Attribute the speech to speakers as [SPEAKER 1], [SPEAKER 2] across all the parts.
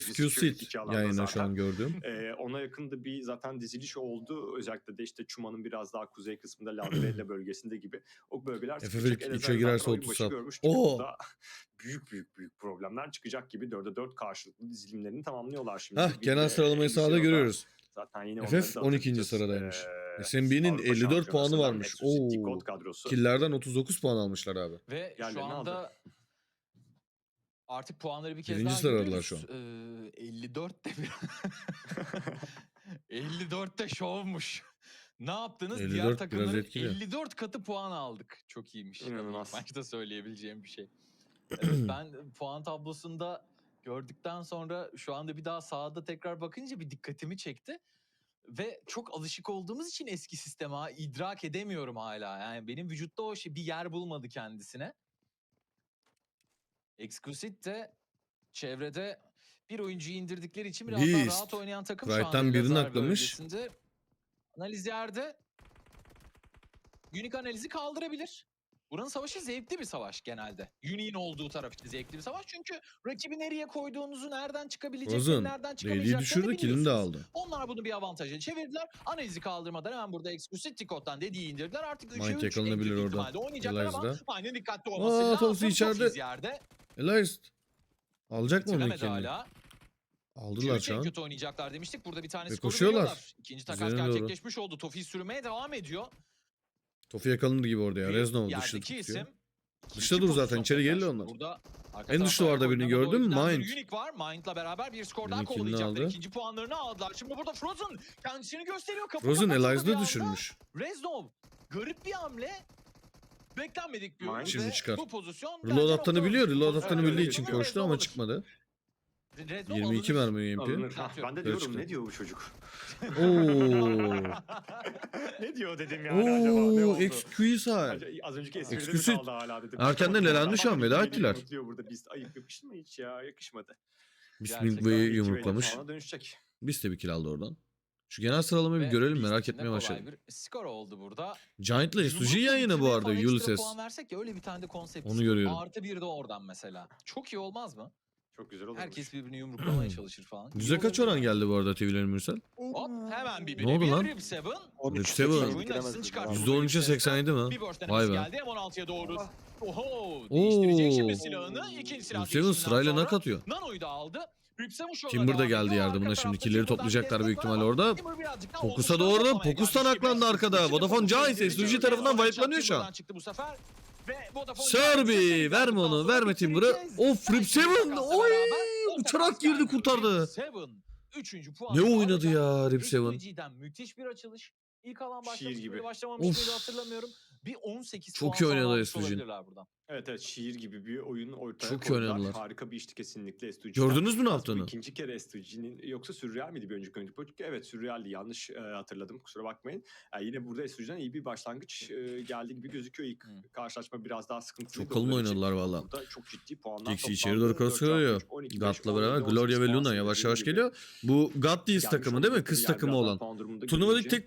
[SPEAKER 1] Security
[SPEAKER 2] Exquisite
[SPEAKER 1] alanda
[SPEAKER 2] yayına şu
[SPEAKER 1] zaten.
[SPEAKER 2] an gördüğüm.
[SPEAKER 1] Ona yakın da bir zaten diziliş oldu. Özellikle de işte Çuma'nın biraz daha kuzey kısmında Lalbela bölgesinde gibi. O bölgeler sıkışacak.
[SPEAKER 2] FF3'e
[SPEAKER 1] Elazığ
[SPEAKER 2] girerse
[SPEAKER 1] zaten oyun
[SPEAKER 2] 30
[SPEAKER 1] başı
[SPEAKER 2] saat.
[SPEAKER 1] görmüş ki
[SPEAKER 2] Oo!
[SPEAKER 1] burada büyük problemler çıkacak gibi. 4'e 4 karşılıklı dizilimlerini tamamlıyorlar şimdi.
[SPEAKER 2] Hah,
[SPEAKER 1] Bir
[SPEAKER 2] genel
[SPEAKER 1] de
[SPEAKER 2] sıralamayı
[SPEAKER 1] en üst
[SPEAKER 2] sırada
[SPEAKER 1] sırada
[SPEAKER 2] görüyoruz.
[SPEAKER 1] zaten yine onları
[SPEAKER 2] FF
[SPEAKER 1] da
[SPEAKER 2] 12.
[SPEAKER 1] hatırlayacağız.
[SPEAKER 2] sıradaymış. SMB'nin
[SPEAKER 1] Avrupa
[SPEAKER 2] 54 puanı
[SPEAKER 1] Şampiyonası'ndan
[SPEAKER 2] varmış.
[SPEAKER 1] Exclusive
[SPEAKER 2] Oo!
[SPEAKER 1] Decode kadrosu
[SPEAKER 2] Kill'lerden 39 puan almışlar abi.
[SPEAKER 3] Ve şu
[SPEAKER 1] yerlerini aldı.
[SPEAKER 3] anda artık puanları bir kez
[SPEAKER 2] Birinci
[SPEAKER 3] daha
[SPEAKER 2] sıradalar
[SPEAKER 3] görüyoruz.
[SPEAKER 2] şu an.
[SPEAKER 3] 54'te bir 54'te şovmuş. Ne yaptınız? Diğer
[SPEAKER 2] 54 biraz
[SPEAKER 3] takımların
[SPEAKER 2] etkili.
[SPEAKER 3] 54 katı puan aldık. Çok iyiymiş.
[SPEAKER 1] İnanılmaz.
[SPEAKER 3] İlk maçta söyleyebileceğim bir şey. Evet, ben puan tablosunda gördükten sonra şu anda bir daha sahada tekrar bakınca bir dikkatimi çekti. Ve çok alışık olduğumuz için eski sisteme idrak edemiyorum hala. Yani benim vücutta o şey bir yer bulmadı kendisine. Exquisite de çevrede bir oyuncuyu indirdikleri için biraz daha
[SPEAKER 2] Beast.
[SPEAKER 3] rahat oynayan takım şu anda
[SPEAKER 2] Prite'den birini
[SPEAKER 3] Elazığ
[SPEAKER 2] aklamış.
[SPEAKER 3] bölgesinde. Analiz yerde. Unique analizi kaldırabilir. Buranın savaşı zevkli bir savaş genelde. Unique'in olduğu taraf için zevkli bir savaş. Çünkü rakibi nereye koyduğunuzu, nereden çıkabileceklerini,
[SPEAKER 2] Frozen.
[SPEAKER 3] nereden
[SPEAKER 2] Lady'yi
[SPEAKER 3] çıkamayacaklarını
[SPEAKER 2] düşürdü, kill'ini de
[SPEAKER 3] biliyorsunuz.
[SPEAKER 2] aldı.
[SPEAKER 3] Onlar bunu bir avantaja çevirdiler. Analizi kaldırmadan hemen burada Exclusive Tico'dan dediği indirdiler. Artık 3'e
[SPEAKER 2] Mind
[SPEAKER 3] 3
[SPEAKER 2] yakalanabilir orada.
[SPEAKER 3] ihtimalle oynayacaklar ama
[SPEAKER 2] Elias'da.
[SPEAKER 3] Mind'in dikkatli olması
[SPEAKER 2] Aa, Topsy
[SPEAKER 3] lazım.
[SPEAKER 2] içeride.
[SPEAKER 3] Tofiz yerde.
[SPEAKER 2] Elias. Alacak mı onu
[SPEAKER 3] Bitiremedi
[SPEAKER 2] kendini?
[SPEAKER 3] hala.
[SPEAKER 2] Aldılar şu
[SPEAKER 3] En
[SPEAKER 2] an.
[SPEAKER 3] kötü oynayacaklar demiştik. Burada bir tane
[SPEAKER 2] Ve
[SPEAKER 3] skoru
[SPEAKER 2] koşuyorlar.
[SPEAKER 3] veriyorlar. İkinci takas
[SPEAKER 2] Üzerine doğru.
[SPEAKER 3] gerçekleşmiş oldu. Tofiz sürmeye devam ediyor.
[SPEAKER 2] Tofu yakalanır gibi orada ya.
[SPEAKER 3] Bir
[SPEAKER 2] Reznov dışta
[SPEAKER 3] yerdeki
[SPEAKER 2] tutuyor.
[SPEAKER 3] isim.
[SPEAKER 2] Dışta
[SPEAKER 3] İki
[SPEAKER 2] dur zaten,
[SPEAKER 3] pozisyon
[SPEAKER 2] içeri
[SPEAKER 3] tekrar.
[SPEAKER 2] geliyor onlar.
[SPEAKER 3] Burada arka
[SPEAKER 2] En dış
[SPEAKER 3] tarafa
[SPEAKER 2] duvarda birini
[SPEAKER 3] oynanan
[SPEAKER 2] gördün mü?
[SPEAKER 3] oyuncudan bir
[SPEAKER 2] Mind.
[SPEAKER 3] Unique var. Mind'la beraber bir skor daha
[SPEAKER 2] Birinin killini
[SPEAKER 3] kovalayacaklar.
[SPEAKER 2] aldı.
[SPEAKER 3] İkinci puanlarını aldılar. Şimdi burada Frozen kendisini gösteriyor. Kapı
[SPEAKER 2] Frozen
[SPEAKER 3] kapatıldı bir
[SPEAKER 2] Elias'da
[SPEAKER 3] anda.
[SPEAKER 2] düşürmüş.
[SPEAKER 3] Reznov garip bir hamle. Beklenmedik bir oyun
[SPEAKER 1] Mind.
[SPEAKER 2] Şimdi
[SPEAKER 3] ve
[SPEAKER 2] çıkar.
[SPEAKER 3] bu pozisyon
[SPEAKER 2] Reload
[SPEAKER 3] bence
[SPEAKER 2] attığını
[SPEAKER 3] nokta
[SPEAKER 2] biliyor.
[SPEAKER 3] atışı.
[SPEAKER 2] Reload
[SPEAKER 3] Pozisyon
[SPEAKER 2] attığını
[SPEAKER 1] Evet,
[SPEAKER 2] bildiği
[SPEAKER 1] evet,
[SPEAKER 2] için
[SPEAKER 1] evet.
[SPEAKER 2] koştu ama çıkmadı.
[SPEAKER 3] Reznov
[SPEAKER 2] 22
[SPEAKER 3] alınır.
[SPEAKER 2] mermi UMP.
[SPEAKER 1] Alınır.
[SPEAKER 3] Atıyor.
[SPEAKER 1] Ben de
[SPEAKER 2] Böyle
[SPEAKER 1] diyorum
[SPEAKER 2] çıktı.
[SPEAKER 1] ne diyor bu çocuk?
[SPEAKER 2] Oo.
[SPEAKER 1] Ne diyor dedim yani acaba ne
[SPEAKER 2] Oo,
[SPEAKER 1] oldu?
[SPEAKER 2] Exquisite.
[SPEAKER 1] Az önceki espride mi
[SPEAKER 2] Exquisite.
[SPEAKER 1] kaldı hala dedim.
[SPEAKER 2] Erkenden elendi şu an, veda ettiler.
[SPEAKER 1] Mutluyor burada. Biz ayıp yakıştı mı hiç ya? Yakışmadı.
[SPEAKER 2] Bismillah
[SPEAKER 3] Gerçekten
[SPEAKER 2] Bey'i
[SPEAKER 1] İki
[SPEAKER 2] yumruklamış.
[SPEAKER 1] belli puana dönüşecek.
[SPEAKER 2] Biz de bir kill aldı oradan. Şu genel sıralamayı bir
[SPEAKER 3] Ve
[SPEAKER 2] görelim,
[SPEAKER 3] Beast
[SPEAKER 2] merak
[SPEAKER 3] için de
[SPEAKER 2] etmeye
[SPEAKER 3] kolay
[SPEAKER 2] başladım.
[SPEAKER 3] bir skor oldu burada.
[SPEAKER 2] Giant'la SUG
[SPEAKER 3] Yumrukla
[SPEAKER 2] yayını bu
[SPEAKER 3] bitirmeye
[SPEAKER 2] arada
[SPEAKER 3] falan ekstra
[SPEAKER 2] Ulysses.
[SPEAKER 3] puan versek ya, öyle bir tane de konsept.
[SPEAKER 2] Onu görüyorum.
[SPEAKER 3] Artı bir de oradan mesela. Çok iyi olmaz mı?
[SPEAKER 1] Çok güzel oldu.
[SPEAKER 3] Herkes birbirini yumruklamaya çalışır falan.
[SPEAKER 2] Yüze
[SPEAKER 3] İyi
[SPEAKER 2] kaç
[SPEAKER 3] olabilir.
[SPEAKER 2] oran geldi bu arada TV'lerin Mürsel?
[SPEAKER 3] Hop hemen bir
[SPEAKER 2] Ne oldu lan?
[SPEAKER 3] Rip 7.
[SPEAKER 2] Rip Seven.
[SPEAKER 3] Oyunun açısını çıkarttı.
[SPEAKER 2] %13'e 87 mi?
[SPEAKER 3] Bir burst
[SPEAKER 2] Vay
[SPEAKER 3] denemesi
[SPEAKER 2] be.
[SPEAKER 3] geldi M16'ya doğru. Oho, değiştirecek şimdi silahını. İkinci silah
[SPEAKER 2] Rip Seven
[SPEAKER 3] değişiminden
[SPEAKER 2] sırayla
[SPEAKER 3] sonra
[SPEAKER 2] nak atıyor.
[SPEAKER 3] Nano'yu da aldı. Rip Seven şu anda
[SPEAKER 2] Timber da
[SPEAKER 3] devam
[SPEAKER 2] geldi
[SPEAKER 3] ediyor.
[SPEAKER 2] yardımına
[SPEAKER 3] Arka
[SPEAKER 2] şimdi.
[SPEAKER 3] tarafta
[SPEAKER 2] Killleri
[SPEAKER 3] Timber'dan
[SPEAKER 2] toplayacaklar büyük
[SPEAKER 3] destek var
[SPEAKER 2] ihtimalle
[SPEAKER 3] ama
[SPEAKER 2] orada.
[SPEAKER 3] Timber birazcık daha
[SPEAKER 2] Fokus'a
[SPEAKER 3] omuzlarına
[SPEAKER 2] doğru.
[SPEAKER 3] toplamaya
[SPEAKER 2] Fokus da
[SPEAKER 3] gelmiş gibi.
[SPEAKER 2] naklandı arkada.
[SPEAKER 3] Şimdi
[SPEAKER 2] Vodafone
[SPEAKER 3] Fokus
[SPEAKER 2] Giants
[SPEAKER 3] indirdi.
[SPEAKER 2] SUG tarafından
[SPEAKER 3] Timber'dan
[SPEAKER 2] wipe'lanıyor şu an.
[SPEAKER 3] Timber'dan çıktı bu sefer. Ve Vodafone
[SPEAKER 2] Serbi
[SPEAKER 3] Giants'ı
[SPEAKER 2] verme onu,
[SPEAKER 3] sonra
[SPEAKER 2] verme Timber'ı.
[SPEAKER 3] bitireceğiz.
[SPEAKER 2] Of, Rip Seven. Oy, uçarak girdi, kurtardı.
[SPEAKER 3] Rip Seven 3. puan.
[SPEAKER 2] Ne oynadı ya Rip Seven?
[SPEAKER 3] SUG'den müthiş bir açılış. İlk alan
[SPEAKER 1] Şiir
[SPEAKER 3] başlamış
[SPEAKER 1] gibi.
[SPEAKER 3] mıydı, başlamamış
[SPEAKER 2] Of.
[SPEAKER 3] mıydı hatırlamıyorum. Bir 18
[SPEAKER 2] Çok
[SPEAKER 3] puan
[SPEAKER 2] iyi
[SPEAKER 3] sonra
[SPEAKER 2] oynadı
[SPEAKER 3] almış
[SPEAKER 2] SUG'nin.
[SPEAKER 3] olabilirler buradan.
[SPEAKER 1] Evet şiir gibi bir oyun ortaya
[SPEAKER 2] Çok iyi
[SPEAKER 1] koydular.
[SPEAKER 2] oynadılar.
[SPEAKER 1] Harika bir işti kesinlikle STG'den.
[SPEAKER 2] Gördünüz mü ne
[SPEAKER 1] Bu
[SPEAKER 2] yaptığını?
[SPEAKER 1] ikinci kere STG'nin yoksa Sürreal miydi bir önceki oyuncu? Evet Sürreal'di, yanlış hatırladım, kusura bakmayın. Yine burada STG'den iyi bir başlangıç geldiği gibi gözüküyor. İlk karşılaşma biraz daha sıkıntılı.
[SPEAKER 2] Çok kalın oynadılar valla.
[SPEAKER 1] Burada çok ciddi puanlar
[SPEAKER 2] Dixie
[SPEAKER 1] toplandı.
[SPEAKER 2] içeri doğru cross koyuyor. Gat'la beraber Gloria ve Luna yavaş yavaş geliyor. Bu God D's takımı değil mi? Kız takımı olan. Turnuvadaki tek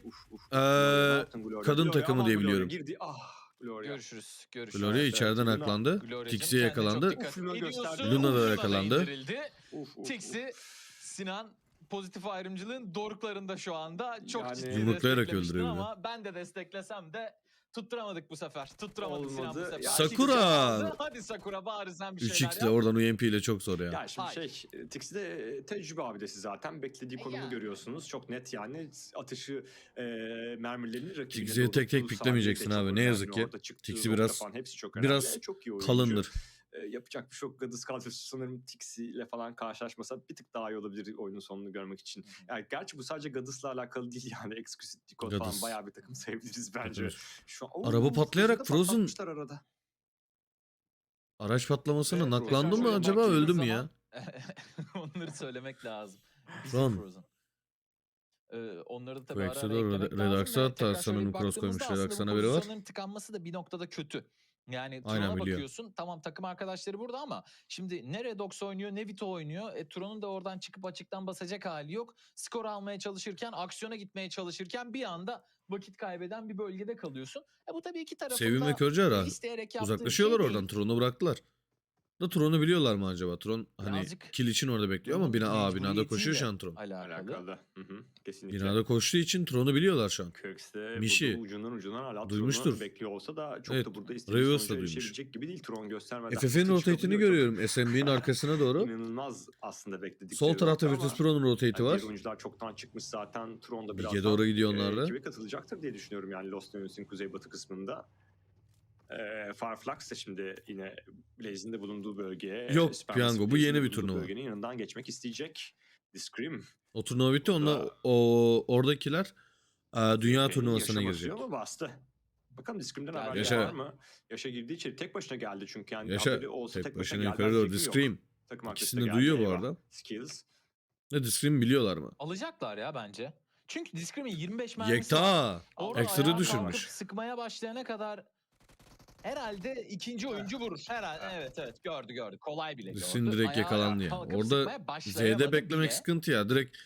[SPEAKER 2] kadın takımı diye biliyorum.
[SPEAKER 1] Girdi. Ah Gloria.
[SPEAKER 3] Görüşürüz.
[SPEAKER 2] Gloria
[SPEAKER 1] Evet,
[SPEAKER 2] içeriden
[SPEAKER 1] Luna.
[SPEAKER 2] aklandı.
[SPEAKER 3] Gloria'cığım
[SPEAKER 2] Tixi'ye
[SPEAKER 3] kendine çok
[SPEAKER 2] yakalandı.
[SPEAKER 3] dikkat
[SPEAKER 1] Uf, Luna
[SPEAKER 3] ediyorsun.
[SPEAKER 1] gösterdi.
[SPEAKER 2] Luna da
[SPEAKER 3] Luna
[SPEAKER 2] yakalandı.
[SPEAKER 3] indirildi.
[SPEAKER 1] Uf.
[SPEAKER 3] Tixi, Sinan pozitif ayrımcılığın doruklarında şu anda. Çok
[SPEAKER 1] Yani-
[SPEAKER 3] ciddi
[SPEAKER 2] Yumruklayarak
[SPEAKER 3] desteklemiştin
[SPEAKER 2] öldürüyor bir de.
[SPEAKER 3] ama ben de desteklesem de tutturamadık bu sefer. Tutturamadık Sinan bu
[SPEAKER 1] Olmadı.
[SPEAKER 3] sefer.
[SPEAKER 1] Ya,
[SPEAKER 2] Sakura!
[SPEAKER 3] Hadi Sakura bari sen bir şeyler
[SPEAKER 2] 3x'le
[SPEAKER 3] yap.
[SPEAKER 2] oradan UMP ile çok zor ya.
[SPEAKER 1] Ya şimdi
[SPEAKER 3] Hayır.
[SPEAKER 1] Tixi de tecrübe abidesi zaten. Beklediği konumu
[SPEAKER 3] Yani.
[SPEAKER 1] görüyorsunuz. Çok net yani. Atışı, mermilerini rakibine
[SPEAKER 2] Tixi'ye
[SPEAKER 1] doğru
[SPEAKER 2] tek tek
[SPEAKER 1] tuttuğu
[SPEAKER 2] piklemeyeceksin
[SPEAKER 1] saniyede
[SPEAKER 2] abi,
[SPEAKER 1] çok
[SPEAKER 2] ne
[SPEAKER 1] önemli.
[SPEAKER 2] yazık ki.
[SPEAKER 1] Orada çıktığı
[SPEAKER 2] Tixi
[SPEAKER 1] nokta
[SPEAKER 2] biraz-
[SPEAKER 1] falan hepsi çok önemli.
[SPEAKER 2] biraz
[SPEAKER 1] çok iyi oyuncu.
[SPEAKER 2] kalındır.
[SPEAKER 1] Yapacak bir şey yok. Gadis kadrosu sanırım Tixi ile falan karşılaşmasa bir tık daha iyi olabilir oyunun sonunu görmek için. Yani gerçi bu sadece Gadis'la alakalı değil yani. Exquisite Decode falan
[SPEAKER 2] Gadis.
[SPEAKER 1] bayağı bir takım sayabiliriz bence.
[SPEAKER 2] Gadis.
[SPEAKER 1] Şu an,
[SPEAKER 2] Araba patlayarak
[SPEAKER 1] Frozen'ı da
[SPEAKER 2] Frozen-
[SPEAKER 1] patlatmışlar arada.
[SPEAKER 2] Araç patlamasına
[SPEAKER 1] Evet,
[SPEAKER 2] naklandı
[SPEAKER 1] Frozen
[SPEAKER 2] mı
[SPEAKER 1] şöyle
[SPEAKER 2] acaba,
[SPEAKER 3] baktığımız
[SPEAKER 2] öldü mü
[SPEAKER 3] zaman-
[SPEAKER 2] ya?
[SPEAKER 3] Onları söylemek lazım.
[SPEAKER 2] Son.
[SPEAKER 3] Frozen. Onları da tabii
[SPEAKER 2] Quakes'e
[SPEAKER 3] ara ara
[SPEAKER 2] doğru
[SPEAKER 3] eklemek
[SPEAKER 2] Redax'a
[SPEAKER 3] lazım ve
[SPEAKER 2] hatta
[SPEAKER 3] tekrar şöyle
[SPEAKER 2] sanırım
[SPEAKER 3] bir
[SPEAKER 2] cross
[SPEAKER 3] baktığımızda
[SPEAKER 2] koymuş.
[SPEAKER 3] aslında
[SPEAKER 2] Redax'tan
[SPEAKER 3] bu
[SPEAKER 2] haberi var.
[SPEAKER 3] pozisyonların tıkanması da bir noktada kötü. Yani
[SPEAKER 2] Aynen,
[SPEAKER 3] Tron'a
[SPEAKER 2] biliyor.
[SPEAKER 3] bakıyorsun, tamam takım arkadaşları burada ama şimdi ne Redox oynuyor ne Vito oynuyor. Tron'un da oradan çıkıp açıktan basacak hali yok. Skor almaya çalışırken, aksiyona gitmeye çalışırken bir anda vakit kaybeden bir bölgede kalıyorsun. Bu tabii iki tarafın
[SPEAKER 2] Sevim ve
[SPEAKER 3] da
[SPEAKER 2] Körce ara.
[SPEAKER 3] isteyerek yaptığı bir
[SPEAKER 2] Uzaklaşıyorlar
[SPEAKER 3] şey
[SPEAKER 2] oradan.
[SPEAKER 3] değil.
[SPEAKER 2] Tron'u bıraktılar. Da Tron'u biliyorlar mı acaba? Tron hani
[SPEAKER 3] Birazcık
[SPEAKER 2] kill için orada bekliyor ama binada koşuyor şu an Tron.
[SPEAKER 1] Alakalı. Kesinlikle.
[SPEAKER 2] Binada koştuğu için Tron'u biliyorlar şu an.
[SPEAKER 1] Kirks de
[SPEAKER 2] Mişi.
[SPEAKER 1] burada ucundan hala
[SPEAKER 2] Duymuştur.
[SPEAKER 1] Tron'u bekliyor olsa da çok
[SPEAKER 2] Evet,
[SPEAKER 1] da burada istediği
[SPEAKER 2] Revius da
[SPEAKER 1] sonuca
[SPEAKER 2] duymuş.
[SPEAKER 1] erişebilecek gibi değil. Tron göstermeden.
[SPEAKER 2] FF'in
[SPEAKER 1] hızlı
[SPEAKER 2] rotate'ini
[SPEAKER 1] çıkabiliyor.
[SPEAKER 2] görüyorum SMB'nin arkasına doğru.
[SPEAKER 1] İnanılmaz aslında bekledikleri.
[SPEAKER 2] Sol tarafta
[SPEAKER 1] nokta ama
[SPEAKER 2] Virtus Pro'nun rotate'i
[SPEAKER 1] diğer
[SPEAKER 2] var.
[SPEAKER 1] oyuncular çoktan çıkmış zaten. Tron da
[SPEAKER 2] Big'e
[SPEAKER 1] birazdan
[SPEAKER 2] doğru gidiyor onlar da.
[SPEAKER 1] ekibe katılacaktır diye düşünüyorum yani Lost Legends'in kuzeybatı kısmında. Farflax da şimdi yine Blaze'in de bulunduğu bölgeye.
[SPEAKER 2] Yok,
[SPEAKER 1] Supermassive
[SPEAKER 2] Piyango, bu
[SPEAKER 1] Blaze'in
[SPEAKER 2] yeni bir
[SPEAKER 1] bulunduğu
[SPEAKER 2] turnuva.
[SPEAKER 1] Bölgenin yanından geçmek isteyecek. The Scream.
[SPEAKER 2] O turnuva bitti.
[SPEAKER 1] Burada-
[SPEAKER 2] Onunla oradakiler dünya
[SPEAKER 1] Benim
[SPEAKER 2] turnuvasına
[SPEAKER 1] yaşa
[SPEAKER 2] girecek.
[SPEAKER 1] basıyor ama bastı. Bakalım Discrim'den haber
[SPEAKER 2] Yaşa.
[SPEAKER 1] var mı? Yaşa girdiği için tek başına geldi çünkü yani
[SPEAKER 2] Yaşa
[SPEAKER 1] haberi olsa
[SPEAKER 2] tek
[SPEAKER 1] tek başına
[SPEAKER 2] başına
[SPEAKER 1] geldi.
[SPEAKER 2] yukarı doğru.
[SPEAKER 1] Fikrim
[SPEAKER 2] The
[SPEAKER 1] yok.
[SPEAKER 2] Scream.
[SPEAKER 1] Takım arkadaşı
[SPEAKER 2] İkisini
[SPEAKER 1] da
[SPEAKER 2] de
[SPEAKER 1] geldi,
[SPEAKER 2] duyuyor bu
[SPEAKER 1] eyvah.
[SPEAKER 2] arada.
[SPEAKER 1] Skills.
[SPEAKER 2] Ne The Scream biliyorlar mı?
[SPEAKER 3] alacaklar ya bence. Çünkü Discrim'in 25 mermisi var.
[SPEAKER 2] Yekta.
[SPEAKER 3] Orada
[SPEAKER 2] Ekstra
[SPEAKER 3] ayağa
[SPEAKER 2] düşürmüş.
[SPEAKER 3] kalkıp sıkmaya başlayana kadar herhalde ikinci oyuncu vurur. Herhalde evet gördü. Kolay bile gördü.
[SPEAKER 2] Discrim direkt
[SPEAKER 3] Ayağa
[SPEAKER 2] yakalandı ya.
[SPEAKER 3] kalkıp
[SPEAKER 2] Orada
[SPEAKER 3] sıkmaya başlayamadı
[SPEAKER 2] Z'de beklemek
[SPEAKER 3] bile.
[SPEAKER 2] sıkıntı ya. Direkt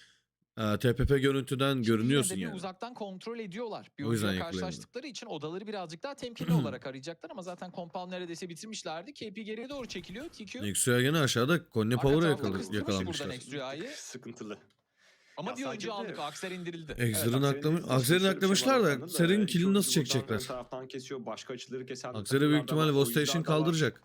[SPEAKER 2] TPP görüntüden
[SPEAKER 3] Şimdi
[SPEAKER 2] görünüyorsun
[SPEAKER 3] yine de bir
[SPEAKER 2] yani.
[SPEAKER 3] uzaktan kontrol ediyorlar. Bir
[SPEAKER 2] O yüzden
[SPEAKER 3] oyuncuyla
[SPEAKER 2] yakalayamadı.
[SPEAKER 3] karşılaştıkları için odaları birazcık daha temkinli olarak arayacaklar ama zaten compound neredeyse bitirmişlerdi. KP geriye doğru çekiliyor. TQ
[SPEAKER 2] Nexu'ya gene aşağıda Konya
[SPEAKER 3] arka
[SPEAKER 2] Power'a
[SPEAKER 3] tablo kıstırmış buradan
[SPEAKER 2] yakalamışlar.
[SPEAKER 3] Nexu'yu.
[SPEAKER 1] Sıkıntılı.
[SPEAKER 3] Ama
[SPEAKER 1] Ya
[SPEAKER 3] bir oyuncu
[SPEAKER 1] sadece de-
[SPEAKER 3] aldık. Akser indirildi.
[SPEAKER 2] Exer'ın
[SPEAKER 1] Akser'in
[SPEAKER 2] Akser'in
[SPEAKER 1] şöyle bir
[SPEAKER 2] aklamışlar
[SPEAKER 1] şey var
[SPEAKER 2] da
[SPEAKER 1] baktığında
[SPEAKER 2] Ser'in
[SPEAKER 1] iki
[SPEAKER 2] killini
[SPEAKER 1] oyuncu
[SPEAKER 2] nasıl
[SPEAKER 1] buradan
[SPEAKER 2] çekecekler?
[SPEAKER 1] ön taraftan kesiyor. Başka açıları kesen
[SPEAKER 2] Akser'e büyük
[SPEAKER 1] takımlar da
[SPEAKER 2] ihtimalle
[SPEAKER 1] var,
[SPEAKER 2] Vostation
[SPEAKER 1] oyuncular da var.
[SPEAKER 2] kaldıracak.